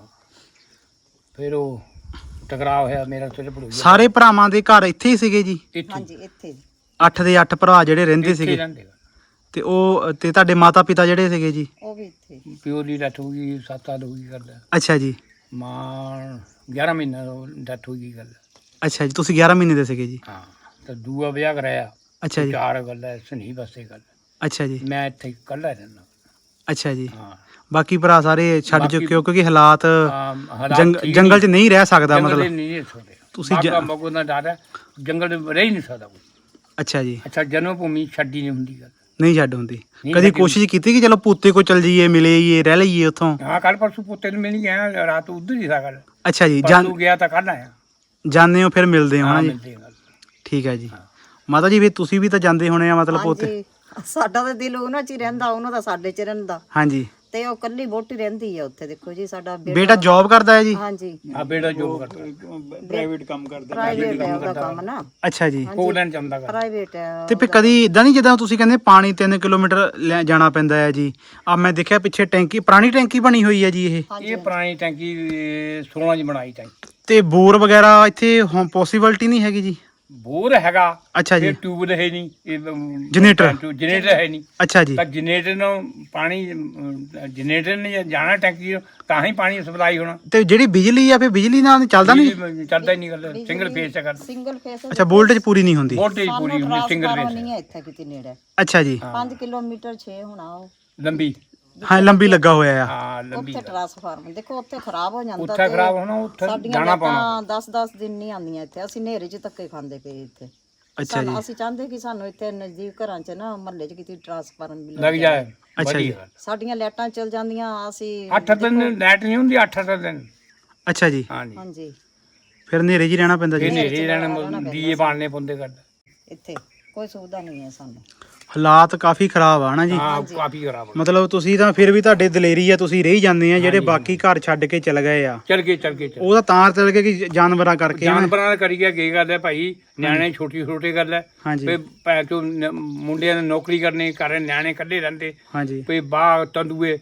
[SPEAKER 4] ਫਿਰ ਉਹ ਟਕਰਾਅ ਹੋਇਆ ਮੇਰਾ ਸਿਰ ਪੜੂ
[SPEAKER 1] ਸਾਰੇ ਭਰਾਵਾਂ ਦੇ ਘਰ ਇੱਥੇ ਹੀ ਸੀਗੇ ਜੀ?
[SPEAKER 4] ਇੱਥੇ
[SPEAKER 3] ਹਾਂਜੀ ਇੱਥੇ ਜੀ।
[SPEAKER 1] ਅੱਠ ਦੇ ਅੱਠ ਭਰਾ ਜਿਹੜੇ ਰਹਿੰਦੇ
[SPEAKER 4] ਇੱਥੇ
[SPEAKER 1] ਸੀਗੇ,
[SPEAKER 4] ਰਹਿੰਦੇ।
[SPEAKER 1] ਤੇ ਉਹ ਤੇ ਤੁਹਾਡੇ ਮਾਤਾ ਪਿਤਾ ਜਿਹੜੇ ਸੀਗੇ ਜੀ?
[SPEAKER 3] ਉਹ ਵੀ ਇੱਥੇ
[SPEAKER 4] ਪਿਓ ਦੀ ਡੈਥ ਹੋ ਗਈ, ਸੱਤ ਸਾਲ ਹੋ ਗਈ ਕਰਦਾ।
[SPEAKER 1] ਅੱਛਾ ਜੀ,
[SPEAKER 4] ਮਾਂ ਗਿਆਰਾਂ ਮਹੀਨੇ ਡੈਥ ਹੋ ਗਈ ਗੱਲ।
[SPEAKER 1] ਅੱਛਾ ਜੀ, ਤੁਸੀਂ ਗਿਆਰਾਂ ਮਹੀਨੇ ਦੇ ਸੀਗੇ ਜੀ?
[SPEAKER 4] ਹਾਂ, ਤਾਂ ਦੂਆ ਵਿਆਹ ਕਰਾਇਆ।
[SPEAKER 1] ਅੱਛਾ ਜੀ,
[SPEAKER 4] ਚਾਰ ਗੱਲ ਹੈ ਸਨੀ ਬਸੇ ਗੱਲ।
[SPEAKER 1] ਅੱਛਾ ਜੀ,
[SPEAKER 4] ਮੈਂ ਇੱਥੇ ਇਕੱਲਾ ਰਹਿੰਦਾ।
[SPEAKER 1] ਅੱਛਾ ਜੀ।
[SPEAKER 4] ਹਾਂ,
[SPEAKER 1] ਬਾਕੀ ਭਰਾ ਸਾਰੇ ਛੱਡ
[SPEAKER 4] ਬਾਕੀ-
[SPEAKER 1] ਚੁੱਕੇ ਹੋ ਕਿਉਂਕਿ ਹਾਲਾਤ
[SPEAKER 4] ਹਾਂ, ਹਾਲਾਤ
[SPEAKER 1] ਜੰਗ-
[SPEAKER 4] ਠੀਕ
[SPEAKER 1] ਜੰਗਲ 'ਚ
[SPEAKER 4] ਨਹੀਂ।
[SPEAKER 1] ਨਹੀਂ ਰਹਿ ਸਕਦਾ
[SPEAKER 4] ਜੰਗਲ ਦੇ
[SPEAKER 1] ਮਤਲਬ।
[SPEAKER 4] ਨਹੀਂ ਰਹਿ ਸਕਦੇ।
[SPEAKER 1] ਤੁਸੀਂ ਜ-
[SPEAKER 4] ਬਾਗਾ ਬਗੋ ਦਾ ਡਰ ਹੈ, ਜੰਗਲ ਦੇ ਰਹਿ ਹੀ ਨਹੀਂ ਸਕਦਾ ਕੋਈ।
[SPEAKER 1] ਅੱਛਾ ਜੀ,
[SPEAKER 4] ਅੱਛਾ, ਜਨਮ ਭੂਮੀ ਛੱਡੀ ਨਹੀਂ ਹੁੰਦੀ ਗੱਲ।
[SPEAKER 1] ਨਹੀਂ ਛੱਡ ਹੁੰਦੀ।
[SPEAKER 4] ਨਹੀਂ
[SPEAKER 1] ਕਦੀ
[SPEAKER 4] ਛੱਡੀ
[SPEAKER 1] ਕੋਸ਼ਿਸ਼ ਕੀਤੀ ਕਿ ਚਲੋ ਪੂਤੇ ਕੋ ਚਲ ਜਾਈਏ, ਮਿਲੇ ਜਾਈਏ, ਰਹਿ ਲਈਏ ਉੱਥੋਂ?
[SPEAKER 4] ਹਾਂ, ਕੱਲ ਪਰਸੋਂ ਪੁੱਤੇ ਨੂੰ ਮਿਲ ਗਿਆ, ਰਾਤ ਉਧਰ ਹੀ ਸੀ ਗੱਲ।
[SPEAKER 1] ਅੱਛਾ ਜੀ, ਜਾਣ
[SPEAKER 4] ਪਰਸੋਂ ਗਿਆ ਤਾਂ ਕੱਲ ਆਇਆ।
[SPEAKER 1] ਜਾਂਦੇ ਹੋ ਫਿਰ ਮਿਲਦੇ ਹੋ
[SPEAKER 4] ਹਾਂ,
[SPEAKER 1] ਨਾ ਜੀ?
[SPEAKER 4] ਮਿਲਦੇ ਗੱਲ।
[SPEAKER 1] ਠੀਕ ਹੈ ਜੀ। ਮਾਤਾ ਜੀ ਵੀ ਤੁਸੀਂ ਵੀ ਤਾਂ ਜਾਂਦੇ ਹੋਣੇ ਆ ਮਤਲਬ ਉੱਥੇ?
[SPEAKER 3] ਹਾਂਜੀ ਸਾਡਾ ਤਾਂ ਦਿਲ ਉਹਨਾਂ 'ਚ ਹੀ ਰਹਿੰਦਾ, ਉਹਨਾਂ ਦਾ ਸਾਡੇ 'ਚ ਰਹਿੰਦਾ।
[SPEAKER 1] ਹਾਂਜੀ,
[SPEAKER 3] ਤੇ ਉਹ ਕੱਲੀ ਵੋਟੀ ਰਹਿੰਦੀ ਆ ਉੱਥੇ। ਦੇਖੋ ਜੀ ਸਾਡਾ
[SPEAKER 1] ਬੇਟਾ ਜੌਬ ਕਰਦਾ ਹੈ ਜੀ?
[SPEAKER 3] ਹਾਂਜੀ
[SPEAKER 4] ਆ ਬੇੜਾ ਜੋਬ ਕਰਦਾ,
[SPEAKER 2] ਪ੍ਰਾਈਵੇਟ ਕੰਮ ਕਰਦਾ।
[SPEAKER 3] ਪ੍ਰਾਈਵੇਟ ਹੈ ਉਹਦਾ ਕੰਮ ਨਾ,
[SPEAKER 1] ਅੱਛਾ ਜੀ।
[SPEAKER 4] ਪੋਲੈਂਡ ਜਾਂਦਾ ਕਰ।
[SPEAKER 3] ਪ੍ਰਾਈਵੇਟ ਹੈ।
[SPEAKER 1] ਤੇ ਫਿਰ ਕਦੀ ਇਦਾਂ ਨਹੀਂ ਜਿੱਦਾਂ ਤੁਸੀਂ ਕਹਿੰਦੇ ਪਾਣੀ ਤਿੰਨ ਕਿਲੋਮੀਟਰ ਲੈ ਜਾਣਾ ਪੈਂਦਾ ਹੈ ਜੀ? ਆ ਮੈਂ ਦੇਖਿਆ ਪਿੱਛੇ ਟੈਂਕੀ, ਪੁਰਾਣੀ ਟੈਂਕੀ ਬਣੀ ਹੋਈ ਹੈ ਜੀ ਇਹ?
[SPEAKER 4] ਇਹ ਪੁਰਾਣੀ ਟੈਂਕੀ ਸੋਲਾਂ ਦੀ ਬਣਾਈ ਟੈਂਕੀ।
[SPEAKER 1] ਤੇ ਬੋਰ ਵਗੈਰਾ ਇੱਥੇ ਪੋਸੀਬਿਲਟੀ ਨਹੀਂ ਹੈਗੀ ਜੀ?
[SPEAKER 4] ਬੋਰ ਹੈਗਾ,
[SPEAKER 1] ਅੱਛਾ ਜੀ,
[SPEAKER 4] ਫਿਰ ਟਿਊਬ ਹੈ ਨਹੀਂ,
[SPEAKER 1] ਜਨਰੇਟਰ?
[SPEAKER 4] ਜਨਰੇਟਰ ਹੈ ਨਹੀਂ।
[SPEAKER 1] ਅੱਛਾ ਜੀ,
[SPEAKER 4] ਤਾਂ ਜਨਰੇਟਰ ਨੂੰ ਪਾਣੀ ਜਨਰੇਟਰ ਨੇ ਜਾਣਾ ਟੈਂਕੀ ਨੂੰ, ਤਾਂ ਹੀ ਪਾਣੀ ਸਪਲਾਈ ਹੋਣਾ।
[SPEAKER 1] ਤੇ ਜਿਹੜੀ ਬਿਜਲੀ ਆ ਫਿਰ ਬਿਜਲੀ ਨਾਲ ਚੱਲਦਾ ਨਹੀਂ?
[SPEAKER 4] ਬਿਜਲੀ ਚੱਲਦਾ ਹੀ ਨਹੀਂ ਗੱਲ, ਸਿੰਗਲ ਫੇਸ ਕਰ।
[SPEAKER 3] ਸਿੰਗਲ ਫੇਸ
[SPEAKER 1] ਅੱਛਾ, ਵੋਲਟੇਜ ਪੂਰੀ ਨਹੀਂ ਹੁੰਦੀ?
[SPEAKER 4] ਵੋਲਟੇਜ ਪੂਰੀ ਹੁੰਦੀ, ਸਿੰਗਲ
[SPEAKER 3] ਟਰਾਂਸਫਾਰਮਰ
[SPEAKER 4] ਫੇਸ
[SPEAKER 3] ਨਹੀਂ ਹੈ ਇੱਥੇ ਕਿਤੇ ਨੇੜੇ।
[SPEAKER 1] ਅੱਛਾ ਜੀ,
[SPEAKER 3] ਪੰਜ ਕਿਲੋਮੀਟਰ ਛੇ ਹੋਣਾ ਉਹ।
[SPEAKER 4] ਲੰਬੀ।
[SPEAKER 1] ਹਾਂ ਲੰਬੀ ਲੱਗਾ ਹੋਇਆ ਆ।
[SPEAKER 4] ਹਾਂ, ਲੰਬੀ
[SPEAKER 3] ਉੱਥੇ ਟਰਾਂਸਫਾਰਮਰ ਦੇਖੋ ਉੱਥੇ ਖਰਾਬ ਹੋ ਜਾਂਦਾ।
[SPEAKER 4] ਉੱਥੇ ਖਰਾਬ ਹੋਣਾ, ਉੱਥੇ
[SPEAKER 3] ਸਾਡੀਆਂ
[SPEAKER 4] ਜਾਣਾ ਪਾਉਣਾ।
[SPEAKER 3] ਲਾਈਟਾਂ ਦਸ ਦਸ ਦਿਨ ਨਹੀਂ ਆਉਂਦੀਆਂ ਇੱਥੇ। ਅਸੀਂ ਹਨੇਰੇ 'ਚ ਧੱਕੇ ਖਾਂਦੇ ਪਏ ਇੱਥੇ।
[SPEAKER 1] ਅੱਛਾ ਜੀ,
[SPEAKER 3] ਸਾਨੂੰ- ਅਸੀਂ ਚਾਹੁੰਦੇ ਕਿ ਸਾਨੂੰ ਇੱਥੇ ਨਜ਼ਦੀਕ ਘਰਾਂ 'ਚ ਨਾ ਮਹੱਲੇ 'ਚ ਕਿਤੇ ਟਰਾਂਸਫਾਰਮਰ ਮਿਲ
[SPEAKER 4] ਲੱਗ ਜਾਏ।
[SPEAKER 1] ਅੱਛਾ ਜੀ,
[SPEAKER 4] ਵਧੀਆ।
[SPEAKER 3] ਸਾਡੀਆਂ ਲਾਈਟਾਂ ਚੱਲ ਜਾਂਦੀਆਂ। ਅਸੀਂ
[SPEAKER 4] ਅੱਠ ਦਿਨ ਲਾਈਟ ਨਹੀਂ ਹੁੰਦੀ, ਅੱਠ ਅੱਠ ਦਿਨ।
[SPEAKER 1] ਅੱਛਾ ਜੀ,
[SPEAKER 4] ਹਾਂਜੀ,
[SPEAKER 3] ਹਾਂਜੀ
[SPEAKER 1] ਫਿਰ ਹਨੇਰੇ 'ਚ ਹੀ ਰਹਿਣਾ ਪੈਂਦਾ
[SPEAKER 4] ਇਹ
[SPEAKER 1] ਜੀ?
[SPEAKER 4] ਨੇਰੇ ਰਹਿਣਾ, ਦੀਏ ਬਾਲਨੇ ਪੁੰਦੇ ਕਰ।
[SPEAKER 3] ਇੱਥੇ ਕੋਈ ਸੁਵਿਧਾ ਨਹੀਂ ਹੈ ਸਾਨੂੰ।
[SPEAKER 1] ਹਾਲਾਤ ਕਾਫੀ ਖਰਾਬ ਆ ਨਾ ਜੀ?
[SPEAKER 4] ਹਾਂ, ਕਾਫੀ ਖਰਾਬ ਹੋ
[SPEAKER 1] ਮਤਲਬ ਤੁਸੀਂ ਤਾਂ ਫਿਰ ਵੀ ਤੁਹਾਡੇ ਦਲੇਰੀ ਆ, ਤੁਸੀਂ ਰਹੀ ਜਾਂਦੇ ਆ। ਜਿਹੜੇ ਬਾਕੀ ਘਰ ਛੱਡ ਕੇ ਚਲ ਗਏ ਆ
[SPEAKER 4] ਚੱਲ ਗਏ, ਚੱਲ ਗਏ, ਚੱਲ
[SPEAKER 1] ਉਹ ਤਾਂ ਤਾਂ ਚਲ ਗਏ ਕਿ ਜਾਨਵਰਾਂ ਕਰਕੇ।
[SPEAKER 4] ਜਾਨਵਰਾਂ ਨਾਲ ਕਰੀ ਗਿਆ ਕੀ ਗੱਲ ਹੈ ਭਾਈ, ਨਿਆਣੇ ਛੋਟੀ ਛੋਟੀ ਗੱਲ ਹੈ।
[SPEAKER 1] ਹਾਂਜੀ
[SPEAKER 4] ਵੀ ਭੈ ਚੋ ਮੁੰਡਿਆਂ ਨੇ ਨੌਕਰੀ ਕਰਨੀ, ਘਰੇ ਨਿਆਣੇ ਇਕੱਲੇ ਰਹਿੰਦੇ।
[SPEAKER 1] ਹਾਂਜੀ
[SPEAKER 4] ਵੀ ਬਾਗ ਤੰਦੂਏ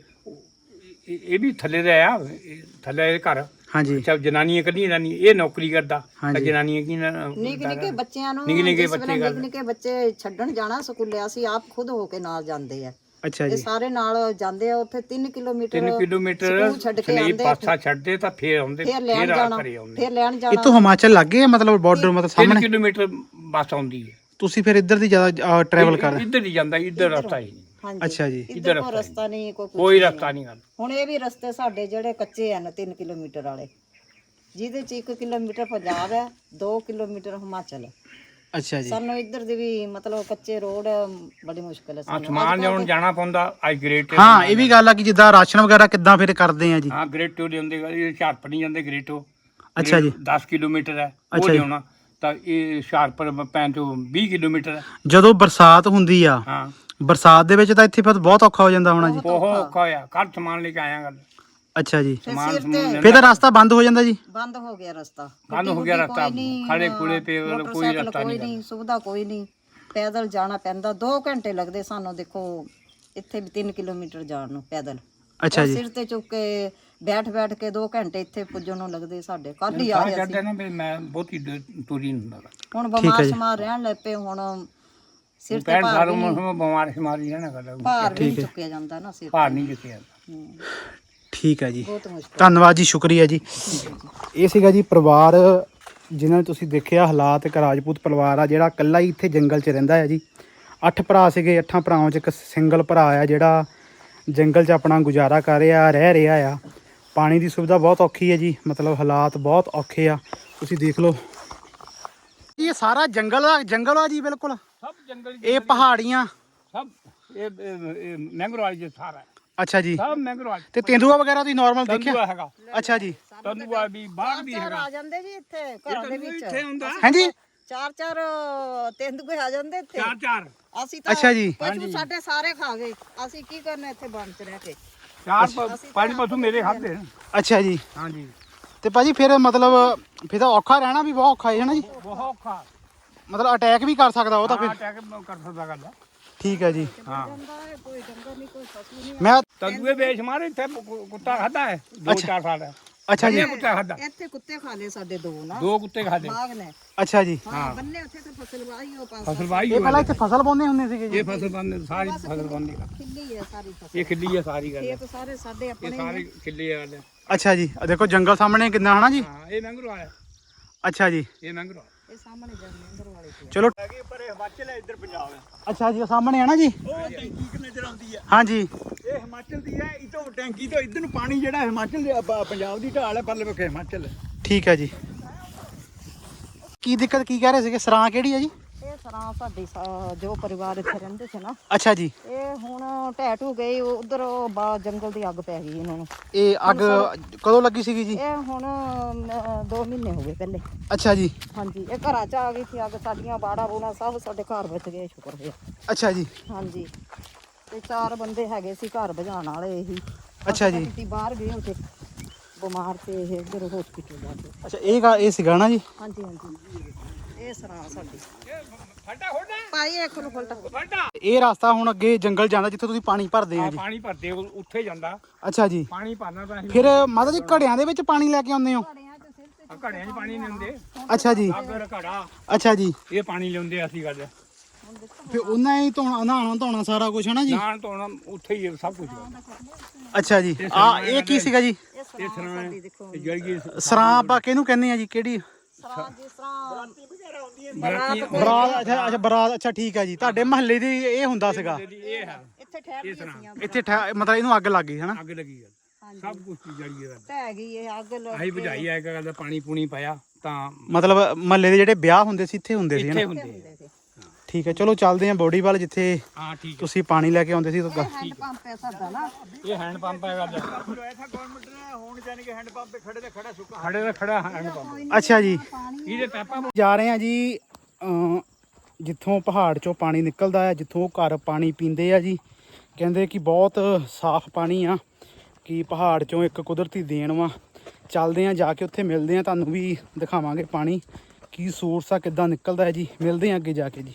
[SPEAKER 4] ਇਹ ਇਹ ਵੀ ਥੱਲੇ ਦਾ ਆ, ਇਹ ਥੱਲੇ ਦੇ ਘਰ।
[SPEAKER 1] ਹਾਂਜੀ
[SPEAKER 4] ਅੱਛਾ, ਜਨਾਨੀਆਂ ਕੱਢੀਆਂ ਜਾਂਦੀਆਂ, ਇਹ ਨੌਕਰੀ ਕਰਦਾ।
[SPEAKER 1] ਹਾਂਜੀ।
[SPEAKER 4] ਜਨਾਨੀਆਂ ਕੀ ਨਾ-
[SPEAKER 3] ਨਿੱਕੇ ਨਿੱਕੇ ਬੱਚਿਆਂ ਨੂੰ
[SPEAKER 4] ਨਿੱਕੇ ਨਿੱਕੇ
[SPEAKER 3] ਜਿਸ ਵੇਲੇ
[SPEAKER 4] ਬੱਚੇ
[SPEAKER 3] ਨਿੱਕੇ
[SPEAKER 4] ਗੱਲ।
[SPEAKER 3] ਨਿੱਕੇ ਬੱਚੇ ਛੱਡਣ ਜਾਣਾ ਸਕੂਲੇ, ਅਸੀਂ ਆਪ ਖੁਦ ਹੋ ਕੇ ਨਾਲ ਜਾਂਦੇ ਆ।
[SPEAKER 1] ਅੱਛਾ
[SPEAKER 3] ਇਹ
[SPEAKER 1] ਜੀ,
[SPEAKER 3] ਸਾਰੇ ਨਾਲ ਜਾਂਦੇ ਆ। ਉੱਥੇ ਤਿੰਨ ਕਿਲੋਮੀਟਰ
[SPEAKER 4] ਤਿੰਨ ਕਿਲੋਮੀਟਰ
[SPEAKER 3] ਸਕੂਲ ਛੱਡ ਕੇ
[SPEAKER 4] ਸਲੀਪ
[SPEAKER 3] ਆਉਂਦੇ,
[SPEAKER 4] ਪਾਸਾ ਛੱਡਦੇ ਤਾਂ ਫੇਰ ਆਉਂਦੇ,
[SPEAKER 3] ਫਿਰ ਲੈਣ
[SPEAKER 4] ਫੇਰ ਆ
[SPEAKER 3] ਜਾਣਾ,
[SPEAKER 4] ਘਰੇ ਆਉਂਦੇ।
[SPEAKER 3] ਫਿਰ ਲੈਣ
[SPEAKER 1] ਇਹ
[SPEAKER 3] ਜਾਣਾ।
[SPEAKER 1] ਤੋਂ ਹਿਮਾਚਲ ਲੱਗੇ ਆ ਮਤਲਬ ਬਾਰਡਰ ਮਤਲਬ
[SPEAKER 4] ਤਿੰਨ
[SPEAKER 1] ਸਾਹਮਣੇ?
[SPEAKER 4] ਕਿਲੋਮੀਟਰ ਬੱਸ ਆਉਂਦੀ ਹੈ।
[SPEAKER 1] ਤੁਸੀਂ ਫਿਰ ਇੱਧਰ ਦੀ ਜ਼ਿਆਦਾ ਟਰੈਵਲ ਕਰ?
[SPEAKER 4] ਇੱਧਰ ਹੀ ਜਾਂਦਾ, ਇੱਧਰ ਰਸਤਾ ਹੀ ਨਹੀਂ।
[SPEAKER 3] ਹਾਂਜੀ
[SPEAKER 1] ਅੱਛਾ ਜੀ,
[SPEAKER 3] ਇੱਧਰ ਕੋਈ ਰਸਤਾ ਨਹੀਂ, ਕੋਈ ਕੁਛ
[SPEAKER 4] ਕੋਈ
[SPEAKER 3] ਨਹੀਂ।
[SPEAKER 4] ਰਸਤਾ ਨਹੀਂ ਗੱਲ।
[SPEAKER 3] ਹੁਣ ਇਹ ਵੀ ਰਸਤੇ ਸਾਡੇ ਜਿਹੜੇ ਕੱਚੇ ਹਨ ਤਿੰਨ ਕਿਲੋਮੀਟਰ ਵਾਲੇ, ਜਿਹਦੇ ਚ ਇੱਕ ਕਿਲੋਮੀਟਰ ਪੰਜਾਬ ਹੈ, ਦੋ ਕਿਲੋਮੀਟਰ ਹਿਮਾਚਲ ਹੈ।
[SPEAKER 1] ਅੱਛਾ ਜੀ,
[SPEAKER 3] ਸਾਨੂੰ ਇੱਧਰ ਦੇ ਵੀ ਮਤਲਬ ਕੱਚੇ ਰੋਡ ਬੜੀ ਮੁਸ਼ਕਲ ਹੈ
[SPEAKER 4] ਹਾਂ,
[SPEAKER 3] ਸਾਨੂੰ।
[SPEAKER 4] ਸਮਾਨ ਲਿਆਉਣ ਜਾਣਾ ਪੈਂਦਾ। ਅੱਜ ਗ੍ਰੇਟ
[SPEAKER 1] ਹਾਂ ਇਹ ਵੀ ਗੱਲ ਆ ਕਿ ਜਿੱਦਾਂ ਰਾਸ਼ਨ ਵਗੈਰਾ ਕਿੱਦਾਂ ਫਿਰ ਕਰਦੇ ਆ ਜੀ?
[SPEAKER 4] ਹਾਂ, ਗ੍ਰੇਟੋ ਦੇ ਹੁੰਦੇ, ਇਹ ਹੁਸ਼ਿਆਰਪੁਰ ਨਹੀਂ ਜਾਂਦੇ ਗ੍ਰੇਟੋ।
[SPEAKER 1] ਅੱਛਾ ਜੀ,
[SPEAKER 4] ਦਸ ਕਿਲੋਮੀਟਰ ਹੈ ਉਹ
[SPEAKER 1] ਅੱਛਾ ਜੀ।
[SPEAKER 4] ਲਿਆਉਣਾ, ਤਾਂ ਇਹ ਹੁਸ਼ਿਆਰਪੁਰ ਪੈਣ ਤੋਂ ਵੀਹ ਕਿਲੋਮੀਟਰ ਹੈ।
[SPEAKER 1] ਜਦੋਂ ਬਰਸਾਤ ਹੁੰਦੀ ਆ,
[SPEAKER 4] ਹਾਂ,
[SPEAKER 1] ਬਰਸਾਤ ਦੇ ਵਿੱਚ ਤਾਂ ਇੱਥੇ ਫਿਰ ਬਹੁਤ ਔਖਾ ਹੋ ਜਾਂਦਾ ਹੋਣਾ ਜੀ?
[SPEAKER 4] ਬਹੁਤ ਔਖਾ ਹੋਇਆ। ਕੱਲ ਸਮਾਨ ਲੈ ਕੇ ਆਇਆ ਗੱਲ।
[SPEAKER 1] ਅੱਛਾ ਜੀ,
[SPEAKER 3] ਫਿਰ
[SPEAKER 4] ਸਮਾਨ
[SPEAKER 3] ਸਿਰ
[SPEAKER 4] ਸਮੂਨ
[SPEAKER 3] ਤੇ
[SPEAKER 4] ਲੈਂਦਾ।
[SPEAKER 1] ਫਿਰ ਤਾਂ ਰਸਤਾ ਬੰਦ ਹੋ ਜਾਂਦਾ ਜੀ?
[SPEAKER 3] ਬੰਦ ਹੋ ਗਿਆ ਰਸਤਾ,
[SPEAKER 4] ਬੰਦ ਹੋ ਗਿਆ ਰਸਤਾ, ਖੜੇ ਖੁੜੇ ਪੇ ਕੋਈ
[SPEAKER 3] ਮੋਟਰਸਾਈਕਲ
[SPEAKER 4] ਰਸਤਾ
[SPEAKER 3] ਕੋਈ
[SPEAKER 4] ਨਹੀਂ।
[SPEAKER 3] ਨਹੀਂ, ਸੁਵਿਧਾ ਕੋਈ ਨਹੀਂ। ਪੈਦਲ ਜਾਣਾ ਪੈਂਦਾ, ਦੋ ਘੰਟੇ ਲੱਗਦੇ ਸਾਨੂੰ। ਦੇਖੋ ਇੱਥੇ ਵੀ ਤਿੰਨ ਕਿਲੋਮੀਟਰ ਜਾਣ ਨੂੰ ਪੈਦਲ।
[SPEAKER 1] ਅੱਛਾ
[SPEAKER 3] ਉਹ
[SPEAKER 1] ਜੀ,
[SPEAKER 3] ਸਿਰ ਤੇ ਚੁੱਕ ਕੇ ਬੈਠ ਬੈਠ ਕੇ ਦੋ ਘੰਟੇ ਇੱਥੇ ਪੁੱਜਣ ਨੂੰ ਲੱਗਦੇ ਸਾਡੇ। ਕੱਲ ਹੀ ਆ
[SPEAKER 4] ਸਾਹ
[SPEAKER 3] ਰਹੇ
[SPEAKER 4] ਚੜਦਾ
[SPEAKER 3] ਸੀ।
[SPEAKER 4] ਨਾ ਵੀ ਮੈਂ ਬਹੁਤੀ ਦੂਰ- ਤੁਰੀ ਨਹੀਂ ਹੁੰਦਾ।
[SPEAKER 3] ਹੁਣ ਬਿਮਾਰ ਸ਼ਮਾਰ ਰਹਿਣ ਲੱਗ ਪਏ। ਹੁਣ ਸਿਰ ਤੇ
[SPEAKER 4] ਪੈਣ
[SPEAKER 3] ਭਾਰ
[SPEAKER 4] ਸਾਲੋਂ
[SPEAKER 3] ਵੀ
[SPEAKER 4] ਮੈਂ
[SPEAKER 3] ਨਹੀਂ-
[SPEAKER 4] ਬਿਮਾਰ ਸ਼ਮਾਰੀ ਰਹਿਣਾ ਕਰਦਾ,
[SPEAKER 3] ਭਾਰ ਵੀ ਨਹੀਂ ਚੁੱਕਿਆ ਜਾਂਦਾ ਨਾ ਸਿਰ
[SPEAKER 4] ਭਾਰ ਨਹੀਂ ਚੁੱਕਿਆ।
[SPEAKER 3] ਹੂੰ,
[SPEAKER 1] ਠੀਕ ਹੈ ਜੀ,
[SPEAKER 3] ਬਹੁਤ ਮੁਸ਼ਕਲ।
[SPEAKER 1] ਧੰਨਵਾਦ ਜੀ, ਸ਼ੁਕਰੀਆ ਜੀ। ਇਹ ਸੀਗਾ ਜੀ ਪਰਿਵਾਰ ਜਿਨ੍ਹਾਂ ਨੇ ਤੁਸੀਂ ਦੇਖਿਆ ਹਾਲਾਤ। ਇੱਕ ਰਾਜਪੂਤ ਪਰਿਵਾਰ ਆ ਜਿਹੜਾ ਇਕੱਲਾ ਹੀ ਇੱਥੇ ਜੰਗਲ 'ਚ ਰਹਿੰਦਾ ਹੈ ਜੀ। ਅੱਠ ਭਰਾ ਸੀਗੇ, ਅੱਠਾਂ ਭਰਾਵਾਂ 'ਚ ਇੱਕ ਸਿੰਗਲ ਭਰਾ ਆ ਜਿਹੜਾ ਜੰਗਲ 'ਚ ਆਪਣਾ ਗੁਜ਼ਾਰਾ ਕਰ ਰਿਹਾ, ਰਹਿ ਰਿਹਾ ਆ। ਪਾਣੀ ਦੀ ਸੁਵਿਧਾ ਬਹੁਤ ਔਖੀ ਹੈ ਜੀ, ਮਤਲਬ ਹਾਲਾਤ ਬਹੁਤ ਔਖੇ ਆ। ਤੁਸੀਂ ਦੇਖ ਲਓ ਇਹ ਸਾਰਾ ਜੰਗਲ ਆ, ਜੰਗਲ ਆ ਜੀ ਬਿਲਕੁਲ।
[SPEAKER 4] ਸਭ ਜੰਗਲ
[SPEAKER 1] ਇਹ ਪਹਾੜੀਆਂ
[SPEAKER 4] ਸਭ ਇਹ ਇਹ- ਇਹ ਮੈਂਗਰੋਵਾਲ ਜੀ ਸਾਰਾ ਹੈ।
[SPEAKER 1] ਅੱਛਾ ਜੀ
[SPEAKER 4] ਸਭ ਮੈਂਗਰੋਵਾਲ
[SPEAKER 1] ਤੇ ਤੇਂਦੂਆ ਵਗੈਰਾ ਤੁਸੀਂ ਨਾਰਮਲ ਦੇਖਿਆ
[SPEAKER 4] ਤੰਦੂਆ ਹੈਗਾ
[SPEAKER 1] ਅੱਛਾ ਜੀ
[SPEAKER 4] ਤੰਦੂਆ ਵੀ ਬਾਗ ਵੀ
[SPEAKER 3] ਚਾਰ
[SPEAKER 4] ਹੈਗਾ
[SPEAKER 3] ਆ ਜਾਂਦੇ ਜੀ ਇੱਥੇ ਘਰਾਂ ਦੇ ਵਿੱਚ
[SPEAKER 4] ਇੱਥੇ ਹੁੰਦਾ
[SPEAKER 1] ਹਾਂਜੀ
[SPEAKER 3] ਚਾਰ ਚਾਰ ਤੇਂਦੂਏ ਆ ਜਾਂਦੇ ਇੱਥੇ
[SPEAKER 4] ਚਾਰ ਚਾਰ
[SPEAKER 3] ਅਸੀਂ ਤਾਂ
[SPEAKER 1] ਅੱਛਾ ਜੀ।
[SPEAKER 3] ਪਸ਼ੂ ਸਾਡੇ ਸਾਰੇ ਖਾ ਗਏ ਅਸੀਂ ਕੀ ਕਰਨਾ ਇੱਥੇ ਬੰਦ ਚ ਰਹਿ ਕੇ
[SPEAKER 4] ਚਾਰ ਪ- ਪੰਜ ਪਸ਼ੂ ਮੇਰੇ ਖਾਦੇ
[SPEAKER 1] ਅੱਛਾ ਜੀ
[SPEAKER 4] ਹਾਂਜੀ
[SPEAKER 1] ਤੇ ਭਾਜੀ ਫਿਰ ਮਤਲਬ ਫਿਰ ਤਾਂ ਔਖਾ ਰਹਿਣਾ ਵੀ ਬਹੁਤ ਔਖਾ ਹੈ ਨਾ ਜੀ
[SPEAKER 4] ਬਹੁਤ ਔਖਾ
[SPEAKER 1] ਮਤਲਬ ਅਟੈਕ ਵੀ ਕਰ ਸਕਦਾ ਉਹ ਤਾਂ ਫਿਰ
[SPEAKER 4] ਅਟੈਕ ਕਰ ਸਕਦਾ ਗੱਲ
[SPEAKER 1] ਠੀਕ ਹੈ ਜੀ
[SPEAKER 4] ਹਾਂ
[SPEAKER 3] ਜਾਂਦਾ ਹੈ ਕੋਈ ਡੰਗਰ ਨਹੀਂ ਕੋਈ ਪਸ਼ੂ ਨਹੀਂ
[SPEAKER 1] ਮੈਂ
[SPEAKER 4] ਤੰਦੂਏ ਵੇਚ ਮਾਰੇ ਇੱਥੇ ਕੁ- ਕੁੱਤਾ ਖਾਦਾ ਹੈ ਦੋ ਚਾਰ ਸਾਲ ਹੈ
[SPEAKER 1] ਅੱਛਾ ਜੀ
[SPEAKER 4] ਕੁੱਤਾ ਖਾਦਾ
[SPEAKER 3] ਇੱਥੇ ਕੁੱਤੇ ਖਾ ਲਏ ਸਾਡੇ ਦੋ ਨਾ
[SPEAKER 4] ਦੋ ਕੁੱਤੇ ਖਾਦੇ
[SPEAKER 3] ਬਾਗ ਨੇ
[SPEAKER 1] ਅੱਛਾ ਜੀ
[SPEAKER 3] ਹਾਂ ਬੰਨੇ ਉੱਥੇ ਤੇ ਫਸਲ ਵਾਹੀ ਉਹ ਪਾਸ
[SPEAKER 4] ਫਸਲ ਵਾਹੀ
[SPEAKER 1] ਇਹ ਪਹਿਲਾਂ ਇੱਥੇ ਫਸਲ ਪਾਉਂਦੇ ਹੁੰਦੇ ਸੀਗੇ ਜੀ
[SPEAKER 4] ਇਹ ਫਸਲ ਬੰਦ ਸਾਰੀ ਫਸਲ ਬੰਦੀ
[SPEAKER 3] ਖਿੱਲੀ ਹੈ ਸਾਰੀ ਫਸਲ
[SPEAKER 4] ਇਹ ਖਿੱਲੀ ਹੈ ਸਾਰੀ ਗੱਲ
[SPEAKER 3] ਖੇਤ ਸਾਰੇ ਸਾਡੇ
[SPEAKER 4] ਇਹ
[SPEAKER 3] ਆਪਣੇ
[SPEAKER 4] ਸਾਰੇ ਖਿੱਲੀ ਹੈ ਗੱਲ
[SPEAKER 1] ਅੱਛਾ ਜੀ ਆਹ ਦੇਖੋ ਜੰਗਲ ਸਾਹਮਣੇ ਕਿੰਨਾ ਹਨਾ ਜੀ
[SPEAKER 4] ਹਾਂ ਇਹ ਮੈਂਗਰੋ ਆਇਆ
[SPEAKER 1] ਅੱਛਾ ਜੀ
[SPEAKER 4] ਇਹ ਮੈਂਗਰੋ
[SPEAKER 3] ਇਹ ਸਾਹਮਣੇ ਜਾਂਦੇ ਅੰਦਰ ਵਾਲੇ ਤੇ
[SPEAKER 1] ਚਲੋ
[SPEAKER 2] ਹੈਗੀ ਪਰ ਇਹ ਹਿਮਾਚਲ ਹੈ ਇੱਧਰ ਪੰਜਾਬ ਹੈ
[SPEAKER 1] ਅੱਛਾ ਜੀ ਉਹ ਸਾਹਮਣੇ ਹੈ ਨਾ ਜੀ
[SPEAKER 2] ਉਹ ਟੈਂਕੀ ਕਿ ਨਜ਼ਰ ਆਉਂਦੀ ਹੈ
[SPEAKER 1] ਹਾਂਜੀ
[SPEAKER 2] ਇਹ ਹਿਮਾਚਲ ਦੀ ਹੈ ਇਤੋਂ ਟੈਂਕੀ ਤੋਂ ਇੱਧਰ ਨੂੰ ਪਾਣੀ ਜਿਹੜਾ ਹਿਮਾਚਲ ਦੇ ਪ- ਪੰਜਾਬ ਦੀ ਢਾਲ ਹੈ ਪਰਲੇ ਪੱਖੇ ਹਿਮਾਚਲ ਹੈ
[SPEAKER 1] ਠੀਕ ਹੈ ਜੀ ਕੀ ਦਿੱਕਤ ਕੀ ਕਹਿ ਰਹੇ ਸੀਗੇ ਸਰਾਂ ਕਿਹੜੀ ਹੈ ਜੀ
[SPEAKER 3] ਇਹ ਸਰਾਂ ਸਾਡੀ ਸਾ- ਜੋ ਪਰਿਵਾਰ ਇੱਥੇ ਰਹਿੰਦੇ ਸੀ ਨਾ
[SPEAKER 1] ਅੱਛਾ ਜੀ
[SPEAKER 3] ਇਹ ਹੁਣ ਢਹਿ ਢੂ ਗਈ ਉਧਰ ਜੰਗਲ ਦੀ ਅੱਗ ਪੈ ਗਈ ਇਹਨਾਂ ਨੂੰ
[SPEAKER 1] ਇਹ ਅੱਗ ਕਦੋਂ ਲੱਗੀ ਸੀਗੀ ਜੀ
[SPEAKER 3] ਇਹ ਹੁਣ ਅਮ, ਦੋ ਮਹੀਨੇ ਹੋ ਗਏ ਪਹਿਲੇ
[SPEAKER 1] ਅੱਛਾ ਜੀ
[SPEAKER 3] ਹਾਂਜੀ ਇਹ ਘਰਾਂ ਚ ਆ ਗਈ ਸੀ ਅੱਗ ਸਾਡੀਆਂ ਬਾੜਾ ਬੂਣਾ ਸਭ ਸਾਡੇ ਘਰ ਵਿੱਚ ਗਏ ਸ਼ੁਕਰ ਹੋਇਆ
[SPEAKER 1] ਅੱਛਾ ਜੀ
[SPEAKER 3] ਹਾਂਜੀ ਤੇ ਚਾਰ ਬੰਦੇ ਹੈਗੇ ਸੀ ਘਰ ਭਜਾਉਣ ਵਾਲੇ ਇਹੀ
[SPEAKER 1] ਅੱਛਾ ਜੀ
[SPEAKER 3] ਅਸੀਂ ਬਾਹਰ ਗਏ ਉੱਥੇ ਬਿਮਾਰ ਤੇ ਇਹ ਇੱਧਰ ਹਸਪੀਟਲ ਜਾ ਕੇ
[SPEAKER 1] ਅੱਛਾ ਇਹ ਗਾ- ਇਹ ਸੀਗਾ ਨਾ ਜੀ
[SPEAKER 3] ਹਾਂਜੀ ਹਾਂਜੀ ਇਹ ਸਰਾਂ ਸਾਡੀ
[SPEAKER 4] ਫੱਟਾ ਹੋਣਾ
[SPEAKER 3] ਭਾਈ ਇੱਕ ਨੂੰ ਫਲਟਾ
[SPEAKER 4] ਫੱਟਾ
[SPEAKER 1] ਇਹ ਰਸਤਾ ਹੁਣ ਅੱਗੇ ਜੰਗਲ ਜਾਂਦਾ ਜਿੱਥੇ ਤੁਸੀਂ ਪਾਣੀ ਭਰਦੇ ਆ
[SPEAKER 4] ਆ
[SPEAKER 1] ਜੀ
[SPEAKER 4] ਪਾਣੀ ਭਰਦੇ ਉਹ ਉੱਥੇ ਜਾਂਦਾ
[SPEAKER 1] ਅੱਛਾ ਜੀ
[SPEAKER 4] ਪਾਣੀ ਭਰਨਾ ਤਾਂ ਅਸੀਂ
[SPEAKER 1] ਫਿਰ ਮਾਤਾ ਜੀ ਘੜਿਆਂ ਦੇ ਵਿੱਚ ਪਾਣੀ ਲੈ ਕੇ ਆਉਂਦੇ ਹੋ
[SPEAKER 4] ਆ ਘੜਿਆਂ 'ਚ ਪਾਣੀ ਨਹੀਂ ਹੁੰਦੇ
[SPEAKER 1] ਅੱਛਾ ਜੀ
[SPEAKER 4] ਅਗਰ ਘੜਾ
[SPEAKER 1] ਅੱਛਾ ਜੀ
[SPEAKER 4] ਇਹ ਪਾਣੀ ਲਿਆਉਂਦੇ ਅਸੀਂ ਗੱਲ
[SPEAKER 1] ਫਿਰ ਉਹਨਾਂ ਹੀ ਧੋਣਾ ਨਹਾਉਣਾ ਧੋਣਾ ਸਾਰਾ ਕੁਝ ਹੈ ਨਾ ਜੀ
[SPEAKER 4] ਨਾਨ ਧੋਣਾ ਉੱਥੇ ਹੀ ਹੈ ਸਭ ਕੁਝ
[SPEAKER 1] ਅੱਛਾ ਜੀ ਆ ਇਹ ਕੀ ਸੀਗਾ ਜੀ
[SPEAKER 4] ਇਹ ਸਰਾਂ ਜਿਹੜੀ
[SPEAKER 1] ਸਰਾਂ ਆਪਾਂ ਕਿਹਨੂੰ ਕਹਿੰਦੇ ਆ ਜੀ ਕਿਹੜੀ
[SPEAKER 3] ਸਰਾਂ ਜਿਸ ਤਰ੍ਹਾਂ
[SPEAKER 4] ਬਰਾਤੀ
[SPEAKER 1] ਬਰਾਤ ਅੱਛਾ ਅੱਛਾ ਬਰਾਤ ਅੱਛਾ ਠੀਕ ਹੈ ਜੀ ਤੁਹਾਡੇ ਮਹੱਲੇ ਦੀ ਇਹ ਹੁੰਦਾ ਸੀਗਾ
[SPEAKER 4] ਇਹ ਹੈ
[SPEAKER 3] ਇੱਥੇ ਠਹਿਰ ਗਈ ਸੀ
[SPEAKER 1] ਇੱਥੇ ਠਹਿ- ਮਤਲਬ ਇਹਨੂੰ ਅੱਗ ਲੱਗ ਗਈ ਹੈ ਨਾ
[SPEAKER 4] ਅੱਗ ਲੱਗੀ ਗੱਲ ਸਭ ਕੁਝ ਜੜੀ ਹੈ
[SPEAKER 3] ਢਹਿ ਗਈ ਇਹ ਅੱਗ ਲੱਗ
[SPEAKER 4] ਅਸੀਂ ਬੁਝਾਈ ਆ ਇੱਕ ਗੱਲ ਦਾ ਪਾਣੀ ਪੂਣੀ ਪਾਇਆ ਤਾਂ
[SPEAKER 1] ਮਤਲਬ ਮਹੱਲੇ ਦੇ ਜਿਹੜੇ ਵਿਆਹ ਹੁੰਦੇ ਸੀ ਇੱਥੇ ਹੁੰਦੇ ਸੀ ਹੈ
[SPEAKER 4] ਇੱਥੇ
[SPEAKER 1] ਨਾ
[SPEAKER 4] ਹੁੰਦੇ ਆ।
[SPEAKER 1] ਠੀਕ ਹੈ ਚਲੋ ਚੱਲਦੇ ਆਂ ਬੋਡੀ ਵੱਲ ਜਿੱਥੇ
[SPEAKER 4] ਹਾਂ ਠੀਕ ਹੈ
[SPEAKER 1] ਤੁਸੀਂ ਪਾਣੀ ਲੈ ਕੇ ਆਉਂਦੇ ਸੀ ਤਾਂ
[SPEAKER 3] ਹੈਂਡ ਪੰਪ ਹੈ ਸਾਡਾ ਨਾ
[SPEAKER 4] ਇਹ ਹੈਂਡ ਪੰਪ ਹੈ ਗੱਲ
[SPEAKER 2] ਐਸਾ ਗਵਰਨਮੈਂਟ ਨੇ ਹੁਣ ਜਾਨੀ ਕਿ ਹੈਂਡ ਪੰਪ ਤੇ ਖੜੇ ਤੇ ਖੜਾ ਸੁੱਕਾ
[SPEAKER 4] ਖੜੇ ਦਾ ਖੜਾ ਹੈਂਡ ਪੰਪ
[SPEAKER 1] ਅੱਛਾ ਜੀ
[SPEAKER 4] ਇਹਦੇ ਪੈਪਾਂ
[SPEAKER 1] ਜਾ ਰਹੇ ਆ ਜੀ ਅਮ ਜਿੱਥੋਂ ਪਹਾੜ ਚੋਂ ਪਾਣੀ ਨਿਕਲਦਾ ਹੈ ਜਿੱਥੋਂ ਘਰ ਪਾਣੀ ਪੀਂਦੇ ਆ ਜੀ ਕਹਿੰਦੇ ਕਿ ਬਹੁਤ ਸਾਫ਼ ਪਾਣੀ ਆ ਕਿ ਪਹਾੜ ਚੋਂ ਇੱਕ ਕੁਦਰਤੀ ਦੇਣ ਵਾ ਚੱਲਦੇ ਆ ਜਾ ਕੇ ਉੱਥੇ ਮਿਲਦੇ ਆ ਤੁਹਾਨੂੰ ਵੀ ਦਿਖਾਵਾਂਗੇ ਪਾਣੀ ਕੀ ਸੋਰਸ ਆ ਕਿੱਦਾਂ ਨਿਕਲਦਾ ਹੈ ਜੀ ਮਿਲਦੇ ਆ ਅੱਗੇ ਜਾ ਕੇ ਜੀ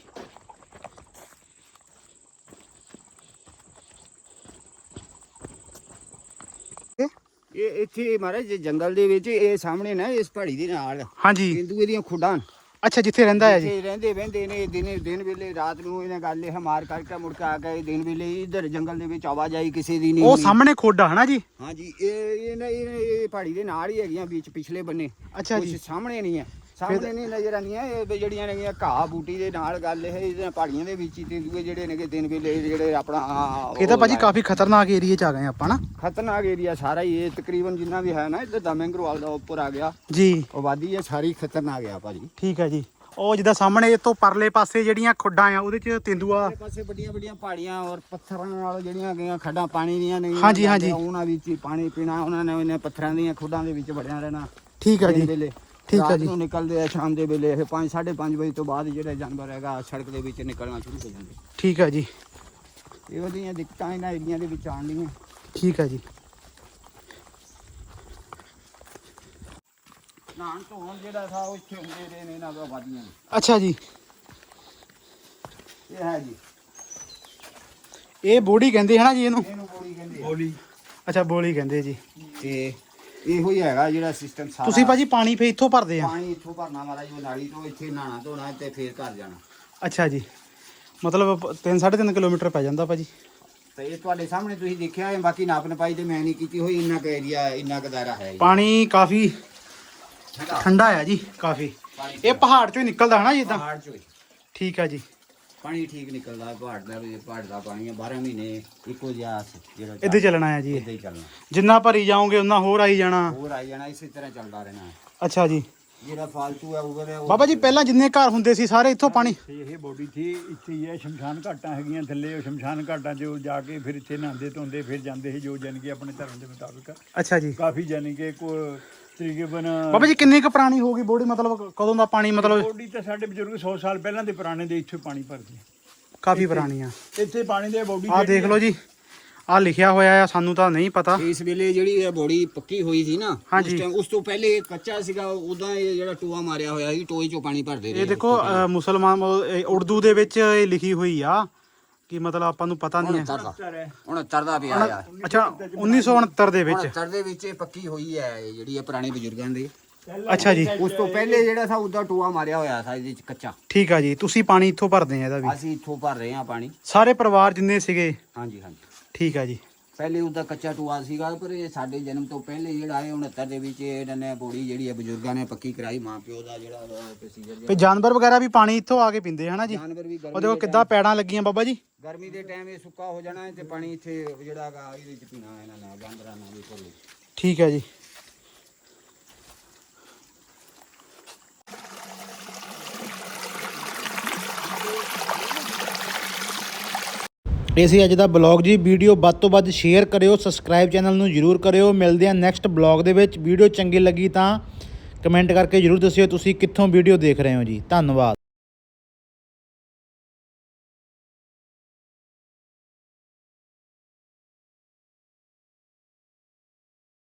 [SPEAKER 5] ਇਹ ਇੱਥੇ ਮਹਾਰਾਜ ਜੇ ਜੰਗਲ ਦੇ ਵਿੱਚ ਇਹ ਸਾਹਮਣੇ ਨਾ ਇਸ ਪਹਾੜੀ ਦੇ ਨਾਲ
[SPEAKER 1] ਹਾਂਜੀ
[SPEAKER 5] ਤੇਂਦੂਏ ਦੀਆਂ ਖੁੱਡਾਂ
[SPEAKER 1] ਅੱਛਾ ਜਿੱਥੇ ਰਹਿੰਦਾ ਹੈ ਜੀ
[SPEAKER 5] ਇੱਥੇ ਰਹਿੰਦੇ ਵਹਿੰਦੇ ਨੇ ਦਿਨੇ ਦਿਨ ਵੇਲੇ ਰਾਤ ਨੂੰ ਇਹਨਾਂ ਗੱਲ ਇਹ ਮਾਰ ਕਰਕੇ ਮੁੜ ਕੇ ਆ ਗਏ ਦਿਨ ਵੇਲੇ ਇਧਰ ਜੰਗਲ ਦੇ ਵਿੱਚ ਆਵਾਜਾਈ ਕਿਸੇ ਦੀ ਨਹੀਂ
[SPEAKER 1] ਉਹ
[SPEAKER 5] ਹੋਣੀ।
[SPEAKER 1] ਸਾਹਮਣੇ ਖੋਡਾ ਹਨਾ ਜੀ
[SPEAKER 5] ਹਾਂਜੀ ਇਹ ਇਹ ਨਾ- ਇਹ ਇਹ ਪਹਾੜੀ ਦੇ ਨਾਲ ਹੀ ਹੈਗੀਆਂ ਵਿੱਚ ਪਿਛਲੇ ਬੰਨੇ
[SPEAKER 1] ਅੱਛਾ
[SPEAKER 5] ਕੁਛ
[SPEAKER 1] ਜੀ
[SPEAKER 5] ਸਾਹਮਣੇ ਨਹੀਂ ਹੈ ਸਾਹਮਣੇ ਨਹੀਂ ਨਜ਼ਰ ਆਉਂਦੀਆਂ ਇਹ ਵੀ ਜਿਹੜੀਆਂ ਨੇਗੀਆਂ ਘਾਹ ਬੂਟੀ ਦੇ ਨਾਲ ਗੱਲ ਇਹ ਇਹਨਾਂ ਪਹਾੜੀਆਂ ਦੇ ਵਿੱਚ ਹੀ ਤੇਂਦੂਏ ਜਿਹੜੇ ਨੇਗੇ ਦਿਨ ਵੇਲੇ ਜਿਹੜੇ ਆਪਣਾ
[SPEAKER 1] ਇਹ ਤਾਂ
[SPEAKER 5] ਉਹ
[SPEAKER 1] ਭਾਜੀ ਕਾਫੀ ਖਤਰਨਾਕ ਏਰੀਏ ਚ ਆ ਗਏ ਆਪਾਂ ਨਾ
[SPEAKER 5] ਖਤਰਨਾਕ ਏਰੀਆ ਸਾਰਾ ਹੀ ਇਹ ਤਕਰੀਬਨ ਜਿੰਨਾ ਵੀ ਹੈ ਨਾ ਇੱਧਰ ਦਾ ਮੈਂਗਰੋਵਾਲ ਦਾ ਉੱਪਰ ਆ ਗਿਆ
[SPEAKER 1] ਜੀ
[SPEAKER 5] ਆਬਾਦੀ ਹੈ ਸਾਰੀ ਖਤਰਨਾਕ ਆ ਭਾਜੀ
[SPEAKER 1] ਠੀਕ ਹੈ ਜੀ ਉਹ ਜਿੱਦਾਂ ਸਾਹਮਣੇ ਇਹ ਤੋਂ ਪਰਲੇ ਪਾਸੇ ਜਿਹੜੀਆਂ ਖੁੱਡਾਂ ਆ ਉਹਦੇ ਚ ਤੇਂਦੂਆ
[SPEAKER 5] ਆਸੇ ਪਾਸੇ ਵੱਡੀਆਂ ਵੱਡੀਆਂ ਪਹਾੜੀਆਂ ਔਰ ਪੱਥਰਾਂ ਨਾਲ ਜਿਹੜੀਆਂ ਗਈਆਂ ਖੱਡਾਂ ਪਾਣੀ ਦੀਆਂ ਨਹੀਂ
[SPEAKER 1] ਹਾਂਜੀ, ਹਾਂਜੀ।
[SPEAKER 5] ਉਹਨਾਂ ਵਿੱਚ ਹੀ ਪਾਣੀ ਪੀਣਾ ਉਹਨਾਂ ਨੇ ਉਹਨਾਂ ਪੱਥਰਾਂ ਦੀਆਂ ਖੁੱਡਾਂ ਦੇ ਵਿੱਚ ਵੜਿਆ ਰਹਿਣਾ
[SPEAKER 1] ਠੀਕ ਹੈ
[SPEAKER 5] ਦਿਨ
[SPEAKER 1] ਜੀ
[SPEAKER 5] ਵੇਲੇ
[SPEAKER 1] ਠੀਕ ਹੈ
[SPEAKER 5] ਰਾਤ
[SPEAKER 1] ਜੀ
[SPEAKER 5] ਨੂੰ ਨਿਕਲਦੇ ਆ ਸ਼ਾਮ ਦੇ ਵੇਲੇ ਇਹ ਪੰਜ ਸਾਢੇ ਪੰਜ ਵਜੇ ਤੋਂ ਬਾਅਦ ਜਿਹੜੇ ਜਾਨਵਰ ਹੈਗਾ ਸੜਕ ਦੇ ਵਿੱਚ ਨਿਕਲਣਾ ਸ਼ੁਰੂ ਹੋ ਜਾਂਦੇ
[SPEAKER 1] ਠੀਕ ਹੈ ਜੀ
[SPEAKER 5] ਇਹੋ ਜਿਹੀਆਂ ਦਿੱਕਤਾਂ ਇਹਨਾਂ ਏਰੀਆਂ ਦੇ ਵਿੱਚ ਆਉਂਦੀਆਂ
[SPEAKER 1] ਠੀਕ ਹੈ ਜੀ
[SPEAKER 5] ਨਾਨ ਧੋਣ ਜਿਹੜਾ ਥਾ ਉਹ ਇੱਥੇ ਹੁੰਦੇ ਰਹੇ ਨੇ ਇਹਨਾਂ ਦਾ ਆਬਾਦੀਆਂ ਨੇ।
[SPEAKER 1] ਅੱਛਾ ਜੀ
[SPEAKER 5] ਇਹ ਹੈ ਜੀ
[SPEAKER 1] ਇਹ ਬੋੜੀ ਕਹਿੰਦੇ ਹਨਾ ਜੀ ਇਹਨੂੰ
[SPEAKER 5] ਇਹਨੂੰ ਬੋਲੀ ਕਹਿੰਦੇ ਆ।
[SPEAKER 4] ਬੋਲੀ
[SPEAKER 1] ਅੱਛਾ ਬੋਲੀ ਕਹਿੰਦੇ ਜੀ
[SPEAKER 5] ਤੇ ਇਹੋ ਹੀ ਹੈਗਾ ਜਿਹੜਾ ਸਿਸਟਮ ਸਾਰਾ
[SPEAKER 1] ਤੁਸੀਂ ਭਾਜੀ ਪਾਣੀ ਫੇ ਇੱਥੋਂ ਭਰਦੇ ਆ
[SPEAKER 5] ਪਾਣੀ ਇੱਥੋਂ ਭਰਨਾ ਮਹਾਰਾਜ ਉਹ ਨਾਲੀ ਤੋਂ ਇੱਥੇ ਨਹਾਣਾ ਧੋਣਾ ਤੇ ਫੇਰ ਘਰ ਜਾਣਾ
[SPEAKER 1] ਅੱਛਾ ਜੀ ਮਤਲਬ ਤਿੰਨ ਸਾਢੇ ਤਿੰਨ ਕਿਲੋਮੀਟਰ ਪੈ ਜਾਂਦਾ ਭਾਜੀ
[SPEAKER 5] ਤੇ ਇਹ ਤੁਹਾਡੇ ਸਾਹਮਣੇ ਤੁਸੀਂ ਦੇਖਿਆ ਹੈ ਬਾਕੀ ਨਾਪ ਨਪਾਈ ਤੇ ਮੈਂ ਨਹੀਂ ਕੀਤੀ ਹੋਈ ਇੰਨਾ ਕੁ ਏਰੀਆ ਇੰਨਾ ਕੁ ਦਾਇਰਾ ਹੈ ਜੀ।
[SPEAKER 1] ਪਾਣੀ ਕਾਫੀ
[SPEAKER 5] ਠੰਡਾ
[SPEAKER 1] ਠੰਡਾ ਆ ਜੀ ਕਾਫੀ
[SPEAKER 5] ਪਾਣੀ
[SPEAKER 1] ਇਹ ਪਹਾੜ ਚੋਂ ਹੀ ਨਿਕਲਦਾ ਹਨਾ ਜੀ ਇਦਾਂ
[SPEAKER 5] ਪਹਾੜ ਚੋਂ ਹੀ।
[SPEAKER 1] ਠੀਕ ਹੈ ਜੀ
[SPEAKER 5] ਪਾਣੀ ਠੀਕ ਨਿਕਲਦਾ ਹੈ, ਪਹਾੜ ਦਾ ਵੀ ਪਹਾੜ ਦਾ ਪਾਣੀ ਹੈ ਬਾਰਾਂ ਮਹੀਨੇ ਇੱਕੋ ਜਿਹਾ ਜਿਹੜਾ
[SPEAKER 1] ਇੱਦਾਂ ਹੀ ਚੱਲਣਾ ਹੈ ਜੀ ਇਹ।
[SPEAKER 5] ਇੱਦਾਂ ਹੀ ਚੱਲਣਾ
[SPEAKER 1] ਜਿੰਨਾ ਭਰੀ ਜਾਓਗੇ ਉਨਾ ਹੋਰ ਆਈ ਜਾਣਾ
[SPEAKER 5] ਹੋਰ ਆਈ ਜਾਣਾ ਇਸੇ ਤਰ੍ਹਾਂ ਚੱਲਦਾ ਰਹਿਣਾ
[SPEAKER 1] ਅੱਛਾ ਜੀ
[SPEAKER 5] ਜਿਹੜਾ ਫਾਲਤੂ ਹੈ ਉਗਰ ਹੈ ਉਹ
[SPEAKER 1] ਬਾਬਾ ਜੀ ਪਹਿਲਾਂ ਜਿੰਨੇ ਘਰ ਹੁੰਦੇ ਸੀ ਸਾਰੇ ਇੱਥੋਂ ਪਾਣੀ
[SPEAKER 2] ਤੇ ਇਹ ਬੋਡੀ ਥੀ ਇੱਥੇ ਹੀ ਹੈ। ਸ਼ਮਸ਼ਾਨ ਘਾਟਾਂ ਹੈਗੀਆਂ ਥੱਲੇ, ਉਹ ਸ਼ਮਸ਼ਾਨ ਘਾਟਾਂ 'ਚ ਉਹ ਜਾ ਕੇ ਫਿਰ ਇੱਥੇ ਨਹਾਉਂਦੇ ਧੋਂਦੇ ਫਿਰ ਜਾਂਦੇ ਸੀ, ਜੋ ਜਾਣੀ ਕਿ ਆਪਣੇ ਧਰਮ ਦੇ ਮੁਤਾਬਿਕ
[SPEAKER 1] ਅੱਛਾ ਜੀ।
[SPEAKER 2] ਕਾਫੀ ਜਾਣੀ ਕਿ ਕੋ ਤਕਰੀਬਨ
[SPEAKER 1] ਬਾਬਾ ਜੀ ਕਿੰਨੀ ਕੁ ਪੁਰਾਣੀ ਹੋ ਗਈ ਬੋਡੀ, ਮਤਲਬ ਕਦੋਂ ਦਾ ਪਾਣੀ, ਮਤਲਬ
[SPEAKER 2] ਬੋਡੀ ਤਾਂ ਸਾਡੇ ਬਜ਼ੁਰਗ ਸੌ ਸਾਲ ਪਹਿਲਾਂ ਦੇ ਪੁਰਾਣੇ ਦੇ ਇੱਥੇ ਪਾਣੀ ਭਰਦੇ
[SPEAKER 1] ਕਾਫੀ ਪੁਰਾਣੀ ਆ।
[SPEAKER 2] ਇੱਥੇ ਪਾਣੀ ਦੇ ਬੋਡੀ
[SPEAKER 1] ਆਹ ਦੇਖ ਲਓ ਜੀ, ਆਹ ਲਿਖਿਆ ਹੋਇਆ ਆ, ਸਾਨੂੰ ਤਾਂ ਨਹੀਂ ਪਤਾ।
[SPEAKER 5] ਇਸ ਵੇਲੇ ਜਿਹੜੀ ਇਹ ਬੋਡੀ ਪੱਕੀ ਹੋਈ ਸੀ ਨਾ,
[SPEAKER 1] ਹਾਂਜੀ।
[SPEAKER 5] ਉਸ ਟਾਈਮ ਉਸ ਤੋਂ ਪਹਿਲੇ ਇਹ ਕੱਚਾ ਸੀਗਾ, ਉਦਾਂ ਇਹ ਜਿਹੜਾ ਟੋਆ ਮਾਰਿਆ ਹੋਇਆ ਸੀ, ਟੋਏ ਚੋਂ ਪਾਣੀ ਭਰਦੇ ਰਹੇ।
[SPEAKER 1] ਇਹ ਦੇਖੋ ਅ, ਮੁਸਲਮਾਨ ਉਹ, ਇਹ ਉਰਦੂ ਦੇ ਵਿੱਚ ਇਹ ਲਿਖੀ ਹੋਈ ਆ ਕਿ ਮਤਲਬ ਆਪਾਂ ਨੂੰ ਪਤਾ ਨਹੀਂ ਹੈ।
[SPEAKER 5] ਉਣਹੱਤਰ ਦਾ ਪਿਆ ਆ।
[SPEAKER 1] ਅੱਛਾ ਉੱਨੀ ਸੌ ਉਣਹੱਤਰ ਦੇ ਵਿੱਚ।
[SPEAKER 5] ਉਣਹੱਤਰ ਦੇ ਵਿੱਚ ਇਹ ਪੱਕੀ ਹੋਈ ਹੈ, ਇਹ ਜਿਹੜੀ ਹੈ ਪੁਰਾਣੇ ਬਜ਼ੁਰਗਾਂ ਦੀ।
[SPEAKER 1] ਅੱਛਾ ਜੀ,
[SPEAKER 5] ਉਸ ਤੋਂ ਪਹਿਲੇ ਜਿਹੜਾ ਸੀ ਉਦਾਂ ਟੋਆ ਮਾਰਿਆ ਹੋਇਆ ਸੀ ਇਹਦੇ ਚ ਕੱਚਾ।
[SPEAKER 1] ਠੀਕ ਆ ਜੀ। ਤੁਸੀਂ ਪਾਣੀ ਇੱਥੋਂ ਭਰਦੇ ਆ ਇਹਦਾ ਵੀ?
[SPEAKER 5] ਅਸੀਂ ਇੱਥੋਂ ਭਰ ਰਹੇ ਹਾਂ ਪਾਣੀ।
[SPEAKER 1] ਸਾਰੇ ਪਰਿਵਾਰ ਜਿੰਨੇ ਸੀਗੇ?
[SPEAKER 5] ਹਾਂਜੀ ਹਾਂਜੀ।
[SPEAKER 1] ਠੀਕ ਆ ਜੀ।
[SPEAKER 5] ਪਹਿਲੇ ਉਹਦਾ ਕੱਚਾ ਟੋਆ ਸੀਗਾ, ਪਰ ਇਹ ਸਾਡੇ ਜਨਮ ਤੋਂ ਪਹਿਲੇ ਜਿਹੜਾ ਹੈ ਉਣਹੱਤਰ ਦੇ ਵਿੱਚ ਇਹਨਾਂ ਨੇ ਬੋੜੀ ਜਿਹੜੀ ਹੈ ਬਜ਼ੁਰਗਾਂ ਨੇ ਪੱਕੀ ਕਰਾਈ, ਮਾਂ ਪਿਓ ਦਾ ਜਿਹੜਾ ਪ੍ਰੋਸੀਜਰ।
[SPEAKER 1] ਤੇ ਜਾਨਵਰ ਵਗੈਰਾ ਵੀ ਪਾਣੀ ਇੱਥੋਂ ਆ ਕੇ ਪੀਂਦੇ ਹਨਾ ਜੀ?
[SPEAKER 5] ਜਾਨਵਰ ਵੀ
[SPEAKER 1] ਉਹ ਦੇਖੋ ਕਿੱਦਾਂ ਪੈੜਾਂ ਲੱਗੀਆਂ ਬਾਬਾ ਜੀ।
[SPEAKER 5] ਗਰਮੀ ਦੇ ਟਾਈਮ ਇਹ ਸੁੱਕਾ ਹੋ ਜਾਣਾ ਹੈ ਤੇ ਪਾਣੀ ਇੱਥੇ ਜਿਹੜਾ ਹੈਗਾ ਇਹਦੇ ਵਿੱਚ ਪੀਣਾ ਇਹਨਾਂ ਨੇ, ਜਾਨਵਰਾਂ ਨੇ ਵੀ ਕੋਲ।
[SPEAKER 1] ਠੀਕ ਹੈ ਜੀ। ਇਹ ਸੀ ਅੱਜ ਦਾ ਬਲੌਗ ਜੀ। ਵੀਡੀਓ ਵੱਧ ਤੋਂ ਵੱਧ ਸ਼ੇਅਰ ਕਰਿਓ, ਸਬਸਕ੍ਰਾਈਬ ਚੈਨਲ ਨੂੰ ਜਰੂਰ ਕਰਿਓ। ਮਿਲਦੇ ਹਾਂ ਨੈਕਸਟ ਬਲੌਗ ਦੇ ਵਿੱਚ। ਵੀਡੀਓ ਚੰਗੀ ਲੱਗੀ ਤਾਂ ਕਮੈਂਟ ਕਰਕੇ ਜਰੂਰ ਦੱਸਿਓ ਤੁਸੀਂ ਕਿੱਥੋਂ ਵੀਡੀਓ ਦੇਖ ਰਹੇ ਹੋ ਜੀ। ਧੰਨਵਾਦ।